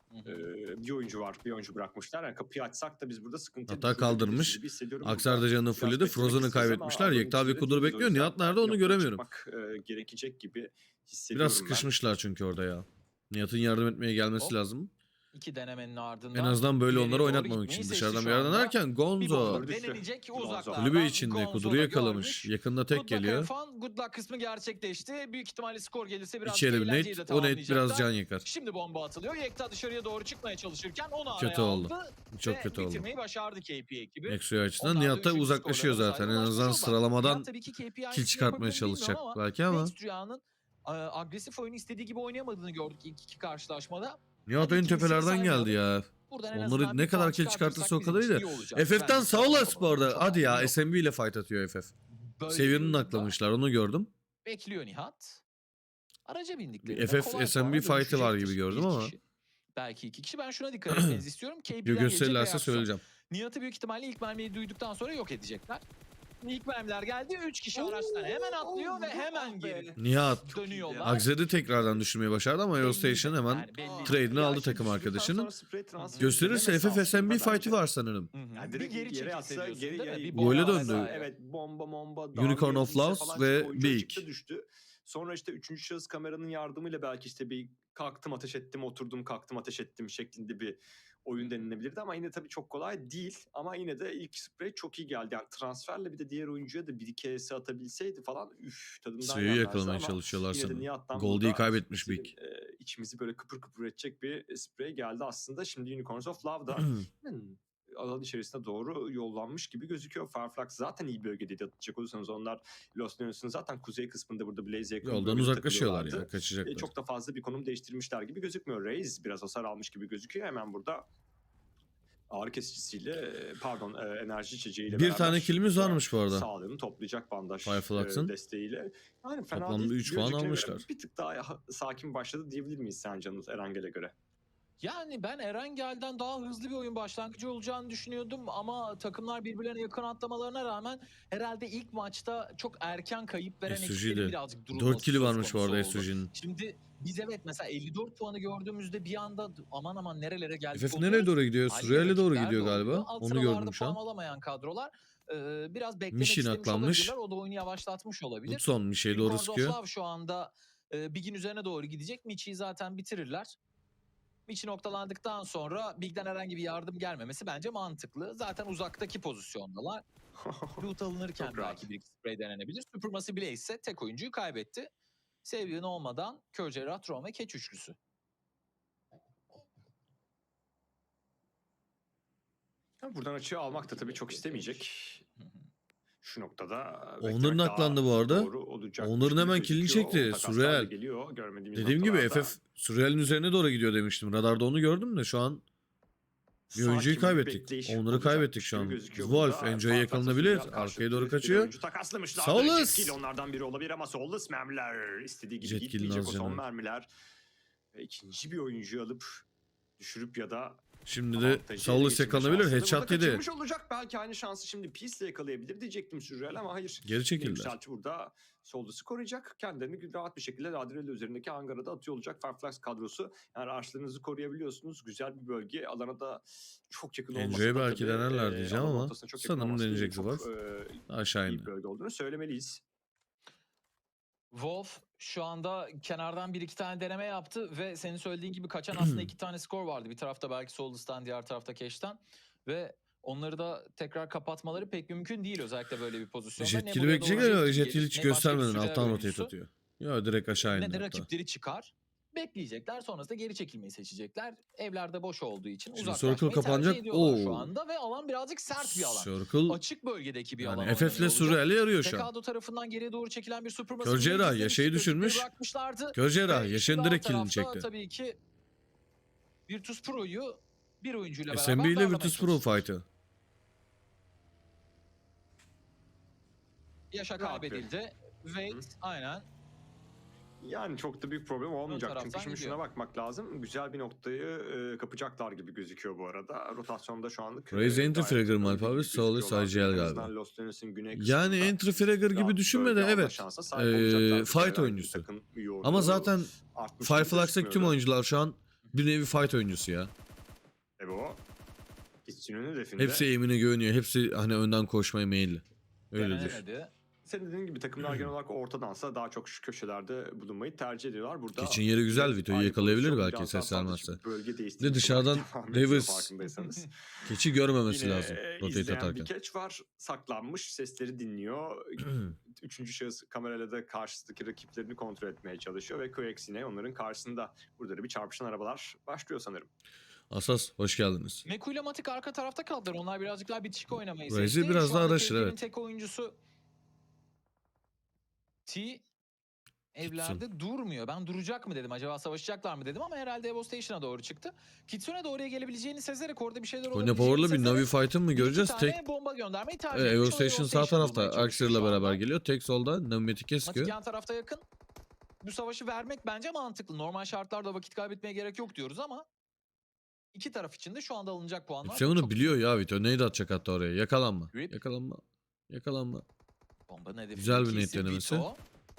[SPEAKER 1] Bir oyuncu var. Bir oyuncu bırakmışlar. Yani kapıyı açsak da biz burada sıkıntı
[SPEAKER 2] Hatta kaldırmış.
[SPEAKER 1] gibi hissediyorum.
[SPEAKER 2] Akser de
[SPEAKER 1] Burada
[SPEAKER 2] canını
[SPEAKER 1] biraz
[SPEAKER 2] fulledi.
[SPEAKER 1] beklemek
[SPEAKER 2] Frozen'ı
[SPEAKER 1] isteriz ama
[SPEAKER 2] kaybetmişler.
[SPEAKER 1] Anadolu
[SPEAKER 2] Yekta bir
[SPEAKER 1] oyuncuları
[SPEAKER 2] kudur
[SPEAKER 1] değiliz. O
[SPEAKER 2] bekliyor.
[SPEAKER 1] yüzden
[SPEAKER 2] Nihat nerede onu
[SPEAKER 1] yapıya
[SPEAKER 2] göremiyorum.
[SPEAKER 1] çıkmak, gerekecek gibi hissediyorum
[SPEAKER 2] Biraz
[SPEAKER 1] ben.
[SPEAKER 2] sıkışmışlar çünkü orada ya. Nihat'ın yardım etmeye gelmesi
[SPEAKER 3] Hop.
[SPEAKER 2] lazım.
[SPEAKER 3] İki denemenin ardından
[SPEAKER 2] En azından böyle
[SPEAKER 3] ileriye
[SPEAKER 2] onları
[SPEAKER 3] doğru
[SPEAKER 2] oynatmamak
[SPEAKER 3] gitmeyi
[SPEAKER 2] için.
[SPEAKER 3] seçti
[SPEAKER 2] Dışarıdan
[SPEAKER 3] şu
[SPEAKER 2] bir yerden
[SPEAKER 3] anda.
[SPEAKER 2] derken
[SPEAKER 3] Bir
[SPEAKER 2] Gonzo.
[SPEAKER 3] bomba
[SPEAKER 1] Düştü.
[SPEAKER 3] denenecek
[SPEAKER 1] Gonzo.
[SPEAKER 3] uzaklardan.
[SPEAKER 2] Kulübe içinde
[SPEAKER 3] Gonzo
[SPEAKER 2] Kudur'u
[SPEAKER 3] da
[SPEAKER 2] yakalamış.
[SPEAKER 3] görmüş.
[SPEAKER 2] Yakında tek
[SPEAKER 3] Good luck
[SPEAKER 2] geliyor.
[SPEAKER 3] Erfan. Good luck kısmı gerçekleşti. Büyük ihtimalle skor gelirse biraz
[SPEAKER 2] İçeri bir
[SPEAKER 3] eğlenceyi de
[SPEAKER 2] net. O net biraz
[SPEAKER 3] tamamlayacaklar.
[SPEAKER 2] can yakar.
[SPEAKER 3] Şimdi bomba atılıyor. Yekta dışarıya doğru çıkmaya çalışırken onu
[SPEAKER 2] Kötü
[SPEAKER 3] araya
[SPEAKER 2] oldu.
[SPEAKER 3] aldı.
[SPEAKER 2] Çok
[SPEAKER 3] ve
[SPEAKER 2] kötü oldu.
[SPEAKER 3] bitirmeyi başardı KP ekibi.
[SPEAKER 2] Nexu'ya açısından
[SPEAKER 3] Onlar da
[SPEAKER 2] Nihat da
[SPEAKER 3] üçüncü
[SPEAKER 2] uzaklaşıyor
[SPEAKER 3] skorlara
[SPEAKER 2] zaten. En
[SPEAKER 3] ulaşmış
[SPEAKER 2] azından
[SPEAKER 3] oldular.
[SPEAKER 2] sıralamadan
[SPEAKER 3] Nihat tabii ki KP
[SPEAKER 2] kill
[SPEAKER 3] aynısını
[SPEAKER 2] çıkartmaya
[SPEAKER 3] yapabilir mi
[SPEAKER 2] çalışacak
[SPEAKER 3] bilmiyorum
[SPEAKER 2] belki ama.
[SPEAKER 3] Next Rüya'nın agresif oyunu istediği gibi oynayamadığını gördük ilk iki karşılaşmada.
[SPEAKER 2] Nihat
[SPEAKER 3] Hadi
[SPEAKER 2] en
[SPEAKER 3] ikincisini
[SPEAKER 2] tepelerden
[SPEAKER 3] saymayalım.
[SPEAKER 2] geldi ya.
[SPEAKER 3] Buradan en
[SPEAKER 2] Onları
[SPEAKER 3] azından
[SPEAKER 2] ne
[SPEAKER 3] bir
[SPEAKER 2] kadar
[SPEAKER 3] puan
[SPEAKER 2] kill çıkartırsa o
[SPEAKER 3] bizim
[SPEAKER 2] kadar
[SPEAKER 3] için
[SPEAKER 2] iyi de.
[SPEAKER 3] iyi olacak.
[SPEAKER 2] FF'ten
[SPEAKER 3] Bence
[SPEAKER 2] sağ olasın bu arada.
[SPEAKER 3] çok
[SPEAKER 2] Hadi ya
[SPEAKER 3] yok.
[SPEAKER 2] SMB ile fight atıyor FF.
[SPEAKER 3] Böyle
[SPEAKER 2] Seviyenin
[SPEAKER 3] bir durumda
[SPEAKER 2] aklamışlar onu gördüm.
[SPEAKER 3] Bekliyor Nihat. Araca bindikleri.
[SPEAKER 2] Bir FF SMB fight'ı var gibi gördüm ama.
[SPEAKER 3] Belki iki kişi. Ben şuna dikkat etmenizi istiyorum. KP'den gelecek
[SPEAKER 2] Gösterirlerse
[SPEAKER 3] reaksiyon.
[SPEAKER 2] söyleyeceğim.
[SPEAKER 3] Nihat'ı büyük ihtimalle ilk mermiyi duyduktan sonra yok edecekler. İlk mermiler geldi. 3 kişi araçtan hemen atlıyor ve hemen geri
[SPEAKER 2] Nihat
[SPEAKER 3] dönüyorlar.
[SPEAKER 2] Akzer'i tekrardan düşürmeyi başardı ama Eurostation hemen
[SPEAKER 3] Yani belli.
[SPEAKER 2] trade'ini
[SPEAKER 1] Ya
[SPEAKER 2] aldı
[SPEAKER 1] şimdi
[SPEAKER 2] takım
[SPEAKER 1] düşürdükten
[SPEAKER 2] arkadaşının.
[SPEAKER 1] sonra spray transferi
[SPEAKER 2] Gösterirse
[SPEAKER 1] denemesi
[SPEAKER 2] FF SMB
[SPEAKER 1] aslında
[SPEAKER 2] fight'ı
[SPEAKER 1] bence.
[SPEAKER 2] var sanırım.
[SPEAKER 3] Hı hı.
[SPEAKER 1] Yani
[SPEAKER 3] Bir
[SPEAKER 1] direkt
[SPEAKER 3] geri
[SPEAKER 1] yere
[SPEAKER 3] çekil
[SPEAKER 1] atsa
[SPEAKER 3] seviyorsun
[SPEAKER 1] geri
[SPEAKER 3] değil mi? Bir
[SPEAKER 2] Gole
[SPEAKER 3] bomba
[SPEAKER 2] döndü.
[SPEAKER 3] vesaire.
[SPEAKER 1] Evet bomba
[SPEAKER 2] Unicorn of
[SPEAKER 1] darbeye
[SPEAKER 2] Loves
[SPEAKER 1] falan
[SPEAKER 2] ve
[SPEAKER 1] işte oyuncu
[SPEAKER 2] Big.
[SPEAKER 1] açıkta düştü. Sonra işte üçüncü şahıs kameranın yardımıyla belki işte bir kalktım ateş ettim oturdum kalktım ateş ettim şeklinde bir oyun denilebilirdi ama yine tabii çok kolay değil ama yine de ilk sprey çok iyi geldi. Yani transferle bir de diğer oyuncuya da bir iki HS atabilseydi falan tadından
[SPEAKER 2] Suyu
[SPEAKER 1] yenmezdi
[SPEAKER 2] yakalamaya
[SPEAKER 1] ama
[SPEAKER 2] çalışıyorlar
[SPEAKER 1] yine de
[SPEAKER 2] sanırım.
[SPEAKER 1] Nihat'tan
[SPEAKER 2] Goldie'yi
[SPEAKER 1] burada
[SPEAKER 2] kaybetmiş Big.
[SPEAKER 1] içimizi böyle kıpır kıpır edecek bir sprey geldi aslında. Şimdi Unicorns of Love'da alan içerisine doğru yollanmış gibi gözüküyor. Farflax zaten iyi bölgedeydi atacak olursanız onlar Los Leones'un zaten kuzey kısmında burada Blaze'e yakın
[SPEAKER 2] Yoldan
[SPEAKER 1] bölgede
[SPEAKER 2] uzaklaşıyorlar
[SPEAKER 1] takılıyorlardı.
[SPEAKER 2] ya kaçacaklar.
[SPEAKER 1] Çok da fazla bir konum değiştirmişler gibi gözükmüyor. Reis biraz hasar almış gibi gözüküyor. Hemen burada ağrı kesicisiyle enerji içeceğiyle
[SPEAKER 2] Bir
[SPEAKER 1] beraber
[SPEAKER 2] tane killimiz varmış bu arada.
[SPEAKER 1] sağlığını toplayacak bandaj
[SPEAKER 2] Fireflux'ın.
[SPEAKER 1] desteğiyle. Yani fena
[SPEAKER 2] Toplamda
[SPEAKER 1] değil.
[SPEAKER 2] 3 puan
[SPEAKER 1] Bir öncekine göre
[SPEAKER 2] almışlar.
[SPEAKER 1] Bir tık daha sakin başladı diyebilir miyiz sen Canıl Erangel'e göre?
[SPEAKER 3] Yani ben Erangel'den daha hızlı bir oyun başlangıcı olacağını düşünüyordum ama takımlar birbirlerine yakın atlamalarına rağmen herhalde ilk maçta çok erken kayıp veren
[SPEAKER 2] SUG'de
[SPEAKER 3] ekiplerin birazcık durulması
[SPEAKER 2] 4 kill'i
[SPEAKER 3] söz
[SPEAKER 2] varmış bu
[SPEAKER 3] konusu
[SPEAKER 2] arada
[SPEAKER 3] oldu.
[SPEAKER 2] SUG'nin.
[SPEAKER 3] Şimdi biz evet mesela 54 puanı gördüğümüzde bir anda aman nerelere geldik
[SPEAKER 2] FF
[SPEAKER 3] oluyoruz.
[SPEAKER 2] nereye doğru gidiyor?
[SPEAKER 3] Aynı
[SPEAKER 2] Surreal'e doğru
[SPEAKER 3] rakipler
[SPEAKER 2] gidiyor
[SPEAKER 3] de
[SPEAKER 2] galiba.
[SPEAKER 3] oluyor. Alt
[SPEAKER 2] Onu
[SPEAKER 3] sıralarda
[SPEAKER 2] gördüm şu
[SPEAKER 3] puan
[SPEAKER 2] an.
[SPEAKER 3] alamayan kadrolar biraz beklemek
[SPEAKER 2] Mişin
[SPEAKER 3] istemiş
[SPEAKER 2] aklanmış.
[SPEAKER 3] olabilirler. O da oyunu yavaşlatmış olabilir.
[SPEAKER 2] Hudson bir şey doğru
[SPEAKER 3] Unicorns of
[SPEAKER 2] sıkıyor.
[SPEAKER 3] Love şu anda Big'in üzerine doğru gidecek. Michi'yi zaten bitirirler. Michi noktalandıktan sonra Big'den herhangi bir yardım gelmemesi bence mantıklı. Zaten uzaktaki pozisyondalar. Loot alınırken
[SPEAKER 1] Çok rahat.
[SPEAKER 3] belki bir spray denenebilir. Supermassive Blaze ise tek oyuncuyu kaybetti. Savion olmadan Kör Cerrah, Tron ve Keç üçlüsü.
[SPEAKER 1] Buradan açığı almak da tabii çok istemeyecek. Şu noktada
[SPEAKER 2] Onların
[SPEAKER 1] beklemek
[SPEAKER 2] aklandı
[SPEAKER 1] daha
[SPEAKER 2] bu arada.
[SPEAKER 1] doğru olacak
[SPEAKER 2] Onların
[SPEAKER 1] gibi
[SPEAKER 2] hemen killini
[SPEAKER 1] gözüküyor.
[SPEAKER 2] çekti.
[SPEAKER 1] Takaslar da
[SPEAKER 2] Surreal.
[SPEAKER 1] geliyor, görmediğimiz
[SPEAKER 2] Dediğim gibi
[SPEAKER 1] noktalarda.
[SPEAKER 2] FF Surreal'in üzerine doğru gidiyor demiştim. Radarda onu gördüm de şu an bir oyuncuyu
[SPEAKER 1] Sakin bir
[SPEAKER 2] kaybettik.
[SPEAKER 1] bekleyiş
[SPEAKER 2] Onları
[SPEAKER 1] olacakmış
[SPEAKER 2] kaybettik şu
[SPEAKER 1] gibi
[SPEAKER 2] an.
[SPEAKER 1] gözüküyor
[SPEAKER 2] Wolf
[SPEAKER 1] burada.
[SPEAKER 2] Enjoy'a
[SPEAKER 1] Farflax
[SPEAKER 2] yakalanabilir.
[SPEAKER 1] Surreal karşılıklı
[SPEAKER 2] Arkaya doğru
[SPEAKER 1] bir
[SPEAKER 2] kaçıyor.
[SPEAKER 1] oyuncu takaslamışlar.
[SPEAKER 2] Saulus!
[SPEAKER 1] Jet Kill onlardan biri olabilir ama Saulus mermiler istediği gibi
[SPEAKER 2] Jet Kill'in
[SPEAKER 1] gitmeyecek o
[SPEAKER 2] az
[SPEAKER 1] son
[SPEAKER 2] canı.
[SPEAKER 1] mermiler. Ve ikinci bir oyuncuyu alıp düşürüp ya da
[SPEAKER 2] Şimdi de
[SPEAKER 1] avantajı
[SPEAKER 2] Saulus
[SPEAKER 1] ele geçirme
[SPEAKER 2] yakalanabilir.
[SPEAKER 1] şansını
[SPEAKER 2] Headshot
[SPEAKER 1] burada
[SPEAKER 2] yedi.
[SPEAKER 1] kaçırmış olacak. Belki aynı şansı şimdi Peace'le yakalayabilir diyecektim Sürreal ama hayır.
[SPEAKER 2] Geri çekildiler.
[SPEAKER 1] Yükselti burada Saulus'u koruyacak. Kendilerini rahat bir şekilde Ladrelli üzerindeki hangara da atıyor olacak. Fireflies kadrosu. Yani araçlarınızı koruyabiliyorsunuz. Güzel bir bölge. Alana da çok yakın olmasa
[SPEAKER 2] Enjoy'u
[SPEAKER 1] da
[SPEAKER 2] belki
[SPEAKER 1] tabii,
[SPEAKER 2] denerler diyeceğim
[SPEAKER 1] alanın
[SPEAKER 2] ama
[SPEAKER 1] ortasına çok yakın
[SPEAKER 2] sanırım
[SPEAKER 1] olması da
[SPEAKER 2] deneyecek
[SPEAKER 1] çok,
[SPEAKER 2] Wolf. Aşağı
[SPEAKER 1] iyi
[SPEAKER 2] indi.
[SPEAKER 1] bir bölge olduğunu söylemeliyiz.
[SPEAKER 3] Wolf şu anda kenardan bir iki tane deneme yaptı ve senin söylediğin gibi kaçan aslında 2 tane skor vardı. Bir tarafta belki Solus'tan, diğer tarafta Cash'ten ve onları da tekrar kapatmaları pek mümkün değil özellikle böyle bir pozisyonda. Ne
[SPEAKER 2] Jet'kili
[SPEAKER 3] buraya
[SPEAKER 2] bekleyecek
[SPEAKER 3] doğru
[SPEAKER 2] ama
[SPEAKER 3] jet
[SPEAKER 2] Jet'kili
[SPEAKER 3] gelir,
[SPEAKER 2] hiç
[SPEAKER 3] ne başka bir
[SPEAKER 2] göstermeden
[SPEAKER 3] sürer
[SPEAKER 2] alttan rotate
[SPEAKER 3] oyuncusu,
[SPEAKER 2] atıyor. Ya direkt aşağı
[SPEAKER 3] ne
[SPEAKER 2] indi
[SPEAKER 3] de
[SPEAKER 2] hatta.
[SPEAKER 3] rakipleri çıkar. Bekleyecekler, sonrasında geri çekilmeyi seçecekler. Evlerde boş olduğu için
[SPEAKER 2] Şimdi
[SPEAKER 3] uzaklaşmayı
[SPEAKER 2] circle
[SPEAKER 3] tercih
[SPEAKER 2] kapanacak.
[SPEAKER 3] ediyorlar şu
[SPEAKER 2] Oo.
[SPEAKER 3] anda ve alan birazcık sert bir alan.
[SPEAKER 2] Circle
[SPEAKER 3] Açık bölgedeki bir alan
[SPEAKER 2] yani
[SPEAKER 3] oynanıyor
[SPEAKER 2] FF'le
[SPEAKER 3] olacak.
[SPEAKER 2] Surreal'e yarıyor şu an.
[SPEAKER 3] Tekado tarafından geriye doğru çekilen bir Supremacy
[SPEAKER 2] Kör cerrah
[SPEAKER 3] Blazes'in
[SPEAKER 2] Yaşar'ı
[SPEAKER 3] rakipleri
[SPEAKER 2] düşürmüş.
[SPEAKER 3] bırakmışlardı.
[SPEAKER 2] Kör cerrah
[SPEAKER 3] Ve
[SPEAKER 2] Yaşar'ın
[SPEAKER 3] şimdi
[SPEAKER 2] direkt
[SPEAKER 3] alt
[SPEAKER 2] killini
[SPEAKER 3] tarafta
[SPEAKER 2] çekti.
[SPEAKER 3] tabii ki Virtus Pro'yu bir oyuncuyla beraber
[SPEAKER 2] SMB ile
[SPEAKER 3] darlamaya
[SPEAKER 2] Virtus Pro
[SPEAKER 3] çalışıyor.
[SPEAKER 2] fight'ı.
[SPEAKER 3] Yaşa
[SPEAKER 1] Rahat
[SPEAKER 3] kaybedildi. Wait aynen.
[SPEAKER 1] Yani çok da büyük problem olmayacak. Çünkü
[SPEAKER 3] taraftan
[SPEAKER 1] şimdi
[SPEAKER 3] gidiyor.
[SPEAKER 1] şuna bakmak lazım. Güzel bir noktayı kapacaklar gibi gözüküyor bu arada. Rotasyonda şu anlık.
[SPEAKER 2] Raise entry fragger mı Alp abi? Saulus IGL galiba. Yani entry fragger gibi düşünme de evet. Fight oyuncusu. Ama zaten Fireflux'taki tüm oyuncular şu an bir nevi fight oyuncusu ya.
[SPEAKER 1] o. Kitsun'un hedefinde.
[SPEAKER 2] Hepsi aim'ine güveniyor. Hepsi hani önden koşmaya meyilli. Öyledir.
[SPEAKER 3] Denemedi.
[SPEAKER 1] Senin dediğin gibi takımlar genel olarak ortadansa daha çok şu köşelerde bulunmayı tercih ediyorlar. Burada
[SPEAKER 2] Kitchen yeri güzel. Vito'yu yakalayabilir belki
[SPEAKER 1] biraz daha
[SPEAKER 2] ses vermezse.
[SPEAKER 1] bölge
[SPEAKER 2] De
[SPEAKER 1] değiştirmiş
[SPEAKER 2] dışarıdan
[SPEAKER 1] olarak devam ediyor
[SPEAKER 2] Davis
[SPEAKER 1] farkındaysanız.
[SPEAKER 2] keçi görmemesi
[SPEAKER 1] Yine
[SPEAKER 2] lazım. Rotate
[SPEAKER 1] izleyen
[SPEAKER 2] atarken.
[SPEAKER 1] bir catch var. Saklanmış. Sesleri dinliyor. Üçüncü şahıs kamerayla da karşısındaki rakiplerini kontrol etmeye çalışıyor ve QX yine onların karşısında. Burada da bir çarpışan arabalar başlıyor sanırım.
[SPEAKER 2] Asas hoş geldiniz.
[SPEAKER 3] Meku ile Matik arka tarafta kaldılar. Onlar birazcık daha bitişik oynamayı
[SPEAKER 2] Raze'i
[SPEAKER 3] seçti.
[SPEAKER 2] biraz
[SPEAKER 3] Şu
[SPEAKER 2] daha
[SPEAKER 3] anda
[SPEAKER 2] araştır,
[SPEAKER 3] TF'nin
[SPEAKER 2] evet.
[SPEAKER 3] tek oyuncusu T evlerde durmuyor. Ben duracak mı dedim. Acaba savaşacaklar mı dedim ama herhalde Evo Station'a doğru çıktı. Kitsune de oraya gelebileceğini sezerek orada bir şeyler
[SPEAKER 2] Konya
[SPEAKER 3] olabileceğini
[SPEAKER 2] Power'la bir
[SPEAKER 3] sezerek
[SPEAKER 2] Navi fight'ı mı göreceğiz?
[SPEAKER 3] iki
[SPEAKER 2] Tek
[SPEAKER 3] tane bomba göndermeyi tercih
[SPEAKER 2] Evo
[SPEAKER 3] etmiş. O
[SPEAKER 2] Station sağ tarafta.
[SPEAKER 3] bulmaya çalışıyor
[SPEAKER 2] Axier'la
[SPEAKER 3] şu
[SPEAKER 2] beraber
[SPEAKER 3] anda.
[SPEAKER 2] geliyor. Tek solda Navimatik'e
[SPEAKER 3] Matik
[SPEAKER 2] sıkıyor.
[SPEAKER 3] yan tarafta yakın. Bu savaşı vermek bence mantıklı. Normal şartlarda vakit kaybetmeye gerek yok diyoruz ama iki taraf için de şu anda alınacak puanlar
[SPEAKER 2] Sen onu
[SPEAKER 3] çok
[SPEAKER 2] biliyor ya Vito. Neydi atacak hatta oraya? Yakalanma.
[SPEAKER 3] Rip.
[SPEAKER 2] Yakalanma. Yakalanma.
[SPEAKER 3] Bombanın hedefi
[SPEAKER 2] Güzel bir
[SPEAKER 3] ikisi
[SPEAKER 2] net denemesi.
[SPEAKER 3] Vito.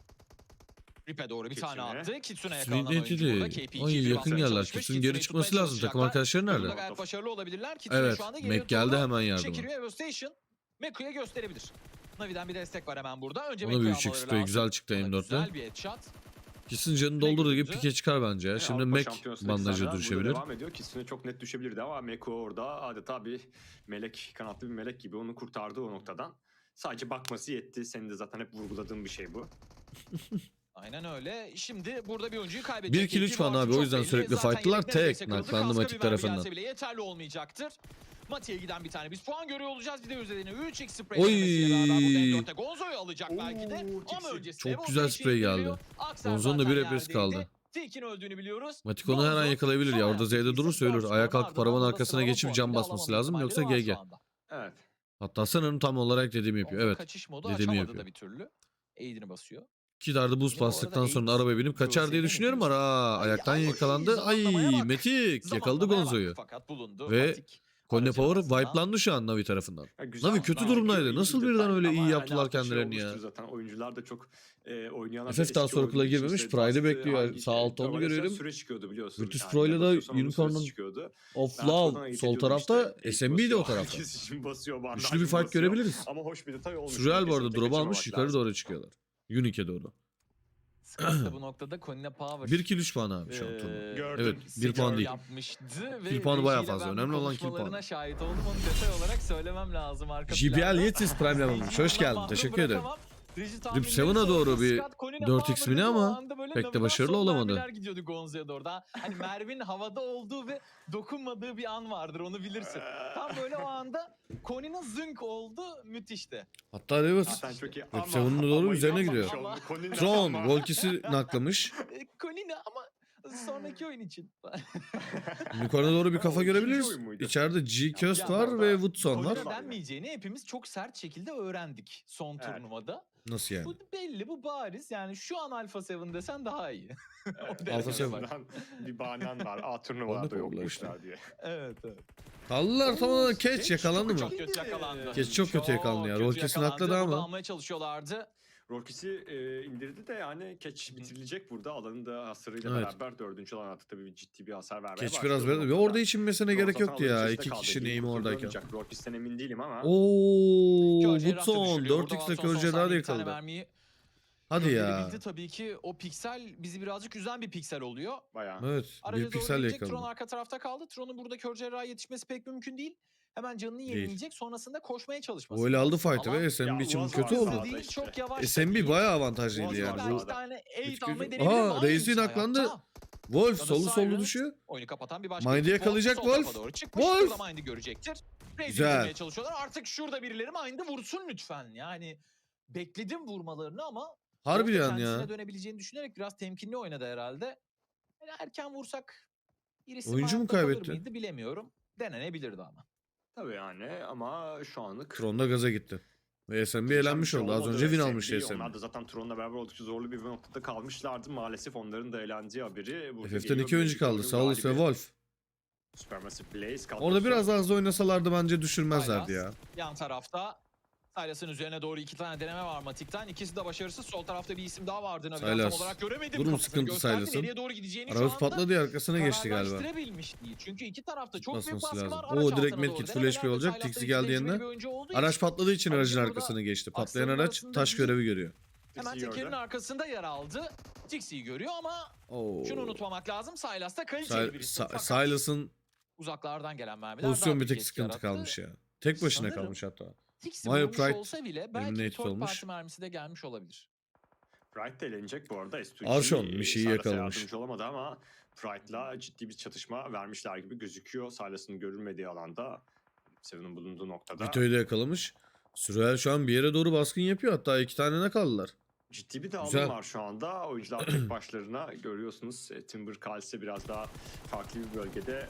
[SPEAKER 3] Rip'e doğru bir tane
[SPEAKER 1] Kitsune.
[SPEAKER 3] attı. Kitsune'ye
[SPEAKER 2] Kitsune'yi
[SPEAKER 3] yakalanan oyuncu burada.
[SPEAKER 2] netledi.
[SPEAKER 3] KP2'ye
[SPEAKER 2] Ay
[SPEAKER 3] bir
[SPEAKER 2] yakın
[SPEAKER 3] basmaya
[SPEAKER 2] yerler.
[SPEAKER 3] çalışmış.
[SPEAKER 2] Kitsune'un geri
[SPEAKER 3] Kitsune'yi
[SPEAKER 2] çıkması
[SPEAKER 3] tutmaya
[SPEAKER 2] lazım. Takım
[SPEAKER 3] çalışacaklar.
[SPEAKER 2] arkadaşları
[SPEAKER 3] Burada
[SPEAKER 2] nerede?
[SPEAKER 3] gayet başarılı olabilirler. Kitsune
[SPEAKER 2] Evet.
[SPEAKER 3] şu anda geriye
[SPEAKER 2] Mac geldi
[SPEAKER 3] doğru
[SPEAKER 2] hemen yardıma.
[SPEAKER 3] çekiliyor. Evo Station Meku'ya gösterebilir. Navi'den bir destek var hemen burada. Önce
[SPEAKER 2] Ona
[SPEAKER 3] Meku'yu
[SPEAKER 2] büyük
[SPEAKER 3] almaları
[SPEAKER 2] spray
[SPEAKER 3] lazım.
[SPEAKER 2] güzel çıktı
[SPEAKER 3] Ona
[SPEAKER 2] M4'te.
[SPEAKER 3] güzel bir headshot.
[SPEAKER 2] Kesin canını doldurduğu gibi pike çıkar bence ya.
[SPEAKER 1] Yani
[SPEAKER 2] Şimdi
[SPEAKER 1] Avrupa
[SPEAKER 2] Mac
[SPEAKER 1] Şampiyonası'ndaki
[SPEAKER 2] bandajı
[SPEAKER 1] sahneler burada
[SPEAKER 2] düşebilir.
[SPEAKER 1] devam ediyor. Kitsune çok net düşebilirdi ama Meku orada adeta bir melek, kanatlı bir melek gibi onu kurtardı o noktadan. Sadece bakması yetti. Senin de zaten hep vurguladığın bir şey bu.
[SPEAKER 3] Aynen öyle. Şimdi burada bir oyuncuyu kaybedecek.
[SPEAKER 2] 1 kill 3 falan abi. O yüzden sürekli fight'tılar. Tek naklandı Matik tarafından.
[SPEAKER 3] Bile yeterli olmayacaktır. Matik'e giden bir tane biz puan görüyor olacağız. Bir de üzerine 3x spray
[SPEAKER 2] Oy.
[SPEAKER 3] denemesiyle beraber burada M4'te Gonzo'yu alacak belki de.
[SPEAKER 1] Oo,
[SPEAKER 3] Ama öncesinde
[SPEAKER 2] Çok
[SPEAKER 3] Evo
[SPEAKER 2] güzel
[SPEAKER 3] Station
[SPEAKER 2] spray geldi.
[SPEAKER 3] geliyor. Akser
[SPEAKER 2] Gonzo'nun da
[SPEAKER 3] zaten
[SPEAKER 2] bir repres
[SPEAKER 3] yerdeydi.
[SPEAKER 2] kaldı.
[SPEAKER 3] Tilk'in öldüğünü biliyoruz.
[SPEAKER 2] Matik onu her an
[SPEAKER 3] Gonzo
[SPEAKER 2] yakalayabilir
[SPEAKER 3] son
[SPEAKER 2] ya. Orada
[SPEAKER 3] hayatta
[SPEAKER 2] Z'de durursa ölür.
[SPEAKER 3] istiklal
[SPEAKER 2] Ayağa
[SPEAKER 3] skorunu
[SPEAKER 2] kalkıp arabanın
[SPEAKER 3] ardından
[SPEAKER 2] arkasına
[SPEAKER 3] sıralama
[SPEAKER 2] geçip cam
[SPEAKER 3] puanıyla
[SPEAKER 2] basması
[SPEAKER 3] alamama
[SPEAKER 2] lazım. Yoksa
[SPEAKER 3] ihtimalleri var
[SPEAKER 2] GG.
[SPEAKER 3] şu anda.
[SPEAKER 1] Evet.
[SPEAKER 2] Hatta sanırım tam olarak dediğimi yapıyor.
[SPEAKER 3] Gonzo
[SPEAKER 2] Evet.
[SPEAKER 3] kaçış modu
[SPEAKER 2] dediğimi
[SPEAKER 3] açamadı
[SPEAKER 2] yapıyor.
[SPEAKER 3] da bir türlü. Aid'ini basıyor.
[SPEAKER 2] İki darda boost
[SPEAKER 3] Yine bu arada
[SPEAKER 2] bastıktan sonra
[SPEAKER 3] Aid
[SPEAKER 2] arabaya binip kaçar diye
[SPEAKER 3] Cruiser'den
[SPEAKER 2] düşünüyorum.
[SPEAKER 3] hepimiz-
[SPEAKER 2] Ayaktan
[SPEAKER 3] Ay,
[SPEAKER 2] yakalandı. Ay
[SPEAKER 3] zamanlamaya bak.
[SPEAKER 2] Matik yakaladı
[SPEAKER 3] Zamanlamaya bak.
[SPEAKER 2] Gonzo'yu.
[SPEAKER 3] Fakat bulundu.
[SPEAKER 2] Ve
[SPEAKER 3] Matik
[SPEAKER 2] Konya
[SPEAKER 3] aracın
[SPEAKER 2] Power
[SPEAKER 3] altından.
[SPEAKER 2] wipe'landı şu an Navi tarafından.
[SPEAKER 1] Ya güzel,
[SPEAKER 2] Navi kötü
[SPEAKER 1] belki
[SPEAKER 2] durumdaydı.
[SPEAKER 1] iyi
[SPEAKER 2] Nasıl
[SPEAKER 1] bir
[SPEAKER 2] birden
[SPEAKER 1] detay
[SPEAKER 2] öyle
[SPEAKER 1] ama
[SPEAKER 2] iyi
[SPEAKER 1] hani
[SPEAKER 2] yaptılar
[SPEAKER 1] artık şey
[SPEAKER 2] kendilerini ya?
[SPEAKER 1] olmuştur Zaten oyuncular da çok oynayanlar
[SPEAKER 2] FF daha circle'a girmemiş. Pride'ı bekliyor. Sağ altta onu görüyorum.
[SPEAKER 1] Süre çıkıyordu biliyorsun.
[SPEAKER 2] Virtus
[SPEAKER 1] Yani
[SPEAKER 2] Pro ile
[SPEAKER 1] ne
[SPEAKER 2] de
[SPEAKER 1] basıyorsan onun
[SPEAKER 2] Unicorn'un
[SPEAKER 1] süresi çıkıyordu.
[SPEAKER 2] of
[SPEAKER 1] Ben arkadan
[SPEAKER 2] Love
[SPEAKER 1] ayırt
[SPEAKER 2] sol
[SPEAKER 1] ediyordum
[SPEAKER 2] tarafta
[SPEAKER 1] işte.
[SPEAKER 2] SMB de o
[SPEAKER 1] Basıyor,
[SPEAKER 2] tarafta.
[SPEAKER 1] herkes için basıyor, bandaj
[SPEAKER 2] Güçlü bir fight
[SPEAKER 1] basıyor.
[SPEAKER 2] görebiliriz.
[SPEAKER 1] Ama hoş bir detay olmuş.
[SPEAKER 2] Surreal bu arada
[SPEAKER 1] Kesinlikle
[SPEAKER 2] drop almış
[SPEAKER 1] kaçırmamak
[SPEAKER 2] yukarı
[SPEAKER 1] lazım.
[SPEAKER 2] doğru çıkıyorlar. Unique'e doğru.
[SPEAKER 3] Scott da bu noktada Konya Power
[SPEAKER 2] 1 kill 3 puan abi şu an turnuva.
[SPEAKER 1] Gördüm.
[SPEAKER 2] Evet 1 puan değil.
[SPEAKER 3] yapmıştı ve
[SPEAKER 2] Kill puanı bayağı
[SPEAKER 3] rejiyle
[SPEAKER 2] fazla.
[SPEAKER 3] ben bu
[SPEAKER 2] Önemli olan kill puanı.
[SPEAKER 3] konuşmalarına şahit oldum. Onu detay olarak söylemem lazım arka
[SPEAKER 2] JBL
[SPEAKER 3] planda.
[SPEAKER 2] Yetis Prime yapılmış. Hoş geldin.
[SPEAKER 3] Mahrum
[SPEAKER 2] Teşekkür ederim.
[SPEAKER 3] bırakamam. Reji
[SPEAKER 2] Rip
[SPEAKER 3] tahminleri
[SPEAKER 2] 7'a doğru
[SPEAKER 3] sonrası
[SPEAKER 2] bir
[SPEAKER 3] Scott Konina
[SPEAKER 2] 4x mini
[SPEAKER 3] Power'da
[SPEAKER 2] ama
[SPEAKER 3] o anda böyle
[SPEAKER 2] pek de
[SPEAKER 3] navigasyon
[SPEAKER 2] başarılı olamadı.
[SPEAKER 3] mermiler gidiyordu Gonzo'ya doğru. Daha hani Mervin havada olduğu ve dokunmadığı bir an vardır, onu bilirsin. Tam böyle o anda Konina zınk oldu, müthişti.
[SPEAKER 2] Hatta Davis
[SPEAKER 1] Zaten çok iyi.
[SPEAKER 2] Rip
[SPEAKER 1] Ama-
[SPEAKER 2] 7'e doğru
[SPEAKER 1] ama
[SPEAKER 2] üzerine
[SPEAKER 1] yapmamış
[SPEAKER 2] gidiyor.
[SPEAKER 1] oldu. Konina
[SPEAKER 2] Tron
[SPEAKER 1] ama-
[SPEAKER 2] Volkis'i naklamış.
[SPEAKER 3] Konina ama sonraki oyun için.
[SPEAKER 2] Yukarıda doğru bir kafa
[SPEAKER 1] O ikinci
[SPEAKER 2] görebiliriz.
[SPEAKER 1] oyun muydu?
[SPEAKER 2] İçeride G-Köst
[SPEAKER 3] Ya
[SPEAKER 2] var
[SPEAKER 1] orada
[SPEAKER 2] ve Woodson var.
[SPEAKER 3] Konina denmeyeceğini hepimiz çok sert şekilde öğrendik son
[SPEAKER 1] Evet.
[SPEAKER 3] turnuvada.
[SPEAKER 2] Nasıl yani?
[SPEAKER 3] Bu belli, bu bariz. Yani şu an Alpha 7 desen daha iyi.
[SPEAKER 1] Evet,
[SPEAKER 2] Alpha
[SPEAKER 1] en
[SPEAKER 2] Seven.
[SPEAKER 1] azından bir bahanen var. A turnuvalarda yokmuşlar diye.
[SPEAKER 3] Evet.
[SPEAKER 2] Kaldılar tamamen Keç yakalandı mı?
[SPEAKER 3] Çok kötü yakalandı.
[SPEAKER 2] Keç çok kötü yakalandı ya. Rol kesin atladı ama.
[SPEAKER 3] Almaya çalışıyorlardı.
[SPEAKER 1] Rorkis'i indirdi de yani Keç bitirilecek burada. Alanın da hasarıyla
[SPEAKER 2] Evet.
[SPEAKER 1] beraber 4. alana tabii ciddi bir hasar vermeye
[SPEAKER 2] Keç
[SPEAKER 1] başlıyor.
[SPEAKER 2] biraz böyle. Ve orada hiç inmesine gerek yoktu ya. İki kişinin eğimi oradayken.
[SPEAKER 1] Rorkis'ten emin değilim ama.
[SPEAKER 2] Ooo.
[SPEAKER 3] Körceği rahatça
[SPEAKER 2] Woodson.
[SPEAKER 3] düşürüyor.
[SPEAKER 2] 4x'le
[SPEAKER 3] Burada
[SPEAKER 2] Körceği daha da
[SPEAKER 3] bir tane
[SPEAKER 2] yakaladı.
[SPEAKER 3] mermiyi
[SPEAKER 2] Hadi ya.
[SPEAKER 3] gönderebildi. Tabii ki o piksel bizi birazcık üzen bir piksel oluyor.
[SPEAKER 1] Bayağı.
[SPEAKER 2] Evet.
[SPEAKER 3] Araca
[SPEAKER 2] Bir
[SPEAKER 3] doğru
[SPEAKER 2] piksel
[SPEAKER 3] gelecek. Tron
[SPEAKER 2] yakaladı.
[SPEAKER 3] arka tarafta kaldı. Tron'un burada Kör Cerrah'a yetişmesi pek mümkün değil. Hemen canını
[SPEAKER 2] Değil.
[SPEAKER 3] yenileyecek. Sonrasında koşmaya çalışması.
[SPEAKER 2] Öyle aldı
[SPEAKER 3] lazım.
[SPEAKER 2] fight'ı
[SPEAKER 3] Ama
[SPEAKER 2] ve SMB
[SPEAKER 1] Ya,
[SPEAKER 2] için bu
[SPEAKER 1] Uaz
[SPEAKER 2] kötü
[SPEAKER 1] var
[SPEAKER 2] oldu.
[SPEAKER 1] sağda
[SPEAKER 3] değil,
[SPEAKER 1] işte.
[SPEAKER 3] çok yavaş da
[SPEAKER 2] SMB
[SPEAKER 3] değil.
[SPEAKER 2] bayağı avantajlıydı
[SPEAKER 1] Uaz
[SPEAKER 2] yani.
[SPEAKER 1] var
[SPEAKER 3] Belki
[SPEAKER 1] sağda.
[SPEAKER 3] bir tane 8
[SPEAKER 2] Kötü
[SPEAKER 3] almayı
[SPEAKER 2] kötü.
[SPEAKER 3] deneyebilir mi?
[SPEAKER 2] Aa,
[SPEAKER 3] Aynı
[SPEAKER 2] Reis'in
[SPEAKER 3] şey
[SPEAKER 2] aklandı.
[SPEAKER 3] hayatta.
[SPEAKER 2] Wolf
[SPEAKER 3] Burada
[SPEAKER 2] solu
[SPEAKER 3] Siren
[SPEAKER 2] düşüyor.
[SPEAKER 3] Oyunu kapatan bir başka
[SPEAKER 2] Mind'i
[SPEAKER 3] ekip.
[SPEAKER 2] yakalayacak
[SPEAKER 3] Sol tarafa
[SPEAKER 2] Wolf.
[SPEAKER 3] doğru çıkmış.
[SPEAKER 2] Wolf.
[SPEAKER 3] Burada Mind'i görecektir. Reis'i
[SPEAKER 2] Güzel.
[SPEAKER 3] vurmaya çalışıyorlar. Artık şurada birileri Mind'i vursun lütfen. Yani bekledim vurmalarını ama
[SPEAKER 2] Harbi
[SPEAKER 3] Wolf da
[SPEAKER 2] yani ya.
[SPEAKER 3] kendisine dönebileceğini düşünerek biraz temkinli oynadı herhalde. Yani erken vursak birisi
[SPEAKER 2] Oyuncu mu
[SPEAKER 3] hayatta kalır
[SPEAKER 2] kaybetti?
[SPEAKER 3] mıydı bilemiyorum. Denenebilirdi ama.
[SPEAKER 1] Tabii yani ama şu anlık.
[SPEAKER 2] Tron'da gaza gitti. Ve SMB
[SPEAKER 1] Geçen
[SPEAKER 2] elenmiş
[SPEAKER 1] bir şey
[SPEAKER 2] oldu. Az
[SPEAKER 1] olmadı
[SPEAKER 2] önce win
[SPEAKER 1] SMB.
[SPEAKER 2] almıştı SMB.
[SPEAKER 1] Onlar da zaten Tron'la beraber oldukça zorlu bir noktada kalmışlardı. Maalesef onların da eğlendiği haberi. burada
[SPEAKER 2] FF'ten
[SPEAKER 1] geliyor.
[SPEAKER 2] 2 oyuncu
[SPEAKER 1] Bir
[SPEAKER 2] kaldı.
[SPEAKER 1] oyunun
[SPEAKER 2] Saulus ve
[SPEAKER 1] galibi.
[SPEAKER 2] Wolf.
[SPEAKER 1] Supermassive Blaze kadrosu.
[SPEAKER 2] Orada biraz daha hızlı oynasalardı bence düşürmezlerdi
[SPEAKER 3] Silas,
[SPEAKER 2] ya.
[SPEAKER 3] yan tarafta Silas'ın üzerine doğru 2 tane deneme var Matik'ten. İkisi de başarısız. Sol tarafta bir isim daha vardı. Navi'den tam
[SPEAKER 2] Silas.
[SPEAKER 3] olarak göremedim.
[SPEAKER 2] Durum
[SPEAKER 3] Kafasını
[SPEAKER 2] sıkıntı
[SPEAKER 3] gösterdi.
[SPEAKER 2] Silas'ın.
[SPEAKER 3] Nereye doğru gideceğini
[SPEAKER 2] Arabası
[SPEAKER 3] şu anda
[SPEAKER 2] patladı ya, arkasına geçti galiba.
[SPEAKER 3] kararlaştırabilmiş değil. Çünkü iki tarafta çok büyük
[SPEAKER 2] Basması
[SPEAKER 3] baskı
[SPEAKER 2] lazım.
[SPEAKER 3] var.
[SPEAKER 2] Oo,
[SPEAKER 3] Araç
[SPEAKER 2] direkt
[SPEAKER 3] altına
[SPEAKER 2] medkit
[SPEAKER 3] doğru
[SPEAKER 2] full
[SPEAKER 3] denemeler
[SPEAKER 2] HP
[SPEAKER 3] ve
[SPEAKER 2] olacak.
[SPEAKER 3] Silas'ta
[SPEAKER 2] Tixi
[SPEAKER 3] tecrübeli
[SPEAKER 2] geldiğinde
[SPEAKER 3] bir oyuncu olduğu
[SPEAKER 2] araç
[SPEAKER 3] için
[SPEAKER 2] patladığı için
[SPEAKER 3] Aracı
[SPEAKER 2] aracın
[SPEAKER 3] burada
[SPEAKER 2] arkasına geçti. Patlayan
[SPEAKER 3] aksiyonun
[SPEAKER 2] araç
[SPEAKER 3] arasında
[SPEAKER 2] taş
[SPEAKER 3] bizim-
[SPEAKER 2] görevi görüyor.
[SPEAKER 3] hemen
[SPEAKER 1] Tixi'yi
[SPEAKER 3] tekerin
[SPEAKER 1] gördü.
[SPEAKER 3] arkasında yer aldı. Tixi'yi görüyor ama
[SPEAKER 2] Oo.
[SPEAKER 3] şunu unutmamak lazım. Silas'ta kaliteli bir isim. Fakat
[SPEAKER 2] Silas'ın
[SPEAKER 3] uzaklardan gelen mermiler
[SPEAKER 2] pozisyon
[SPEAKER 3] daha
[SPEAKER 2] bir tek
[SPEAKER 3] büyük etki
[SPEAKER 2] sıkıntı
[SPEAKER 3] yarattı.
[SPEAKER 2] kalmış ya. Tek başına
[SPEAKER 3] Sanırım
[SPEAKER 2] kalmış hatta.
[SPEAKER 3] Tixi
[SPEAKER 2] Mayo
[SPEAKER 3] vurmuş
[SPEAKER 2] Pride
[SPEAKER 3] olsa bile belki bir
[SPEAKER 2] eliminated
[SPEAKER 3] third
[SPEAKER 2] olmuş.
[SPEAKER 3] party mermisi de gelmiş olabilir.
[SPEAKER 1] Pride de elenecek bu arada. S2G
[SPEAKER 2] Arşon Mişi'yi
[SPEAKER 1] Silas'a
[SPEAKER 2] yakalamış.
[SPEAKER 1] yardımcı olamadı ama Pride'la ciddi bir çatışma vermişler gibi gözüküyor. Silas'ın görülmediği alanda. Seven'ın bulunduğu noktada.
[SPEAKER 2] Vito'yu da yakalamış. Sürel şu an bir yere doğru baskın yapıyor. Hatta 2 tane ne kaldılar.
[SPEAKER 1] Ciddi bir dağılım
[SPEAKER 2] Güzel.
[SPEAKER 1] var şu anda. Oyuncular tek başlarına görüyorsunuz. Timber Kalse biraz daha farklı bir bölgede.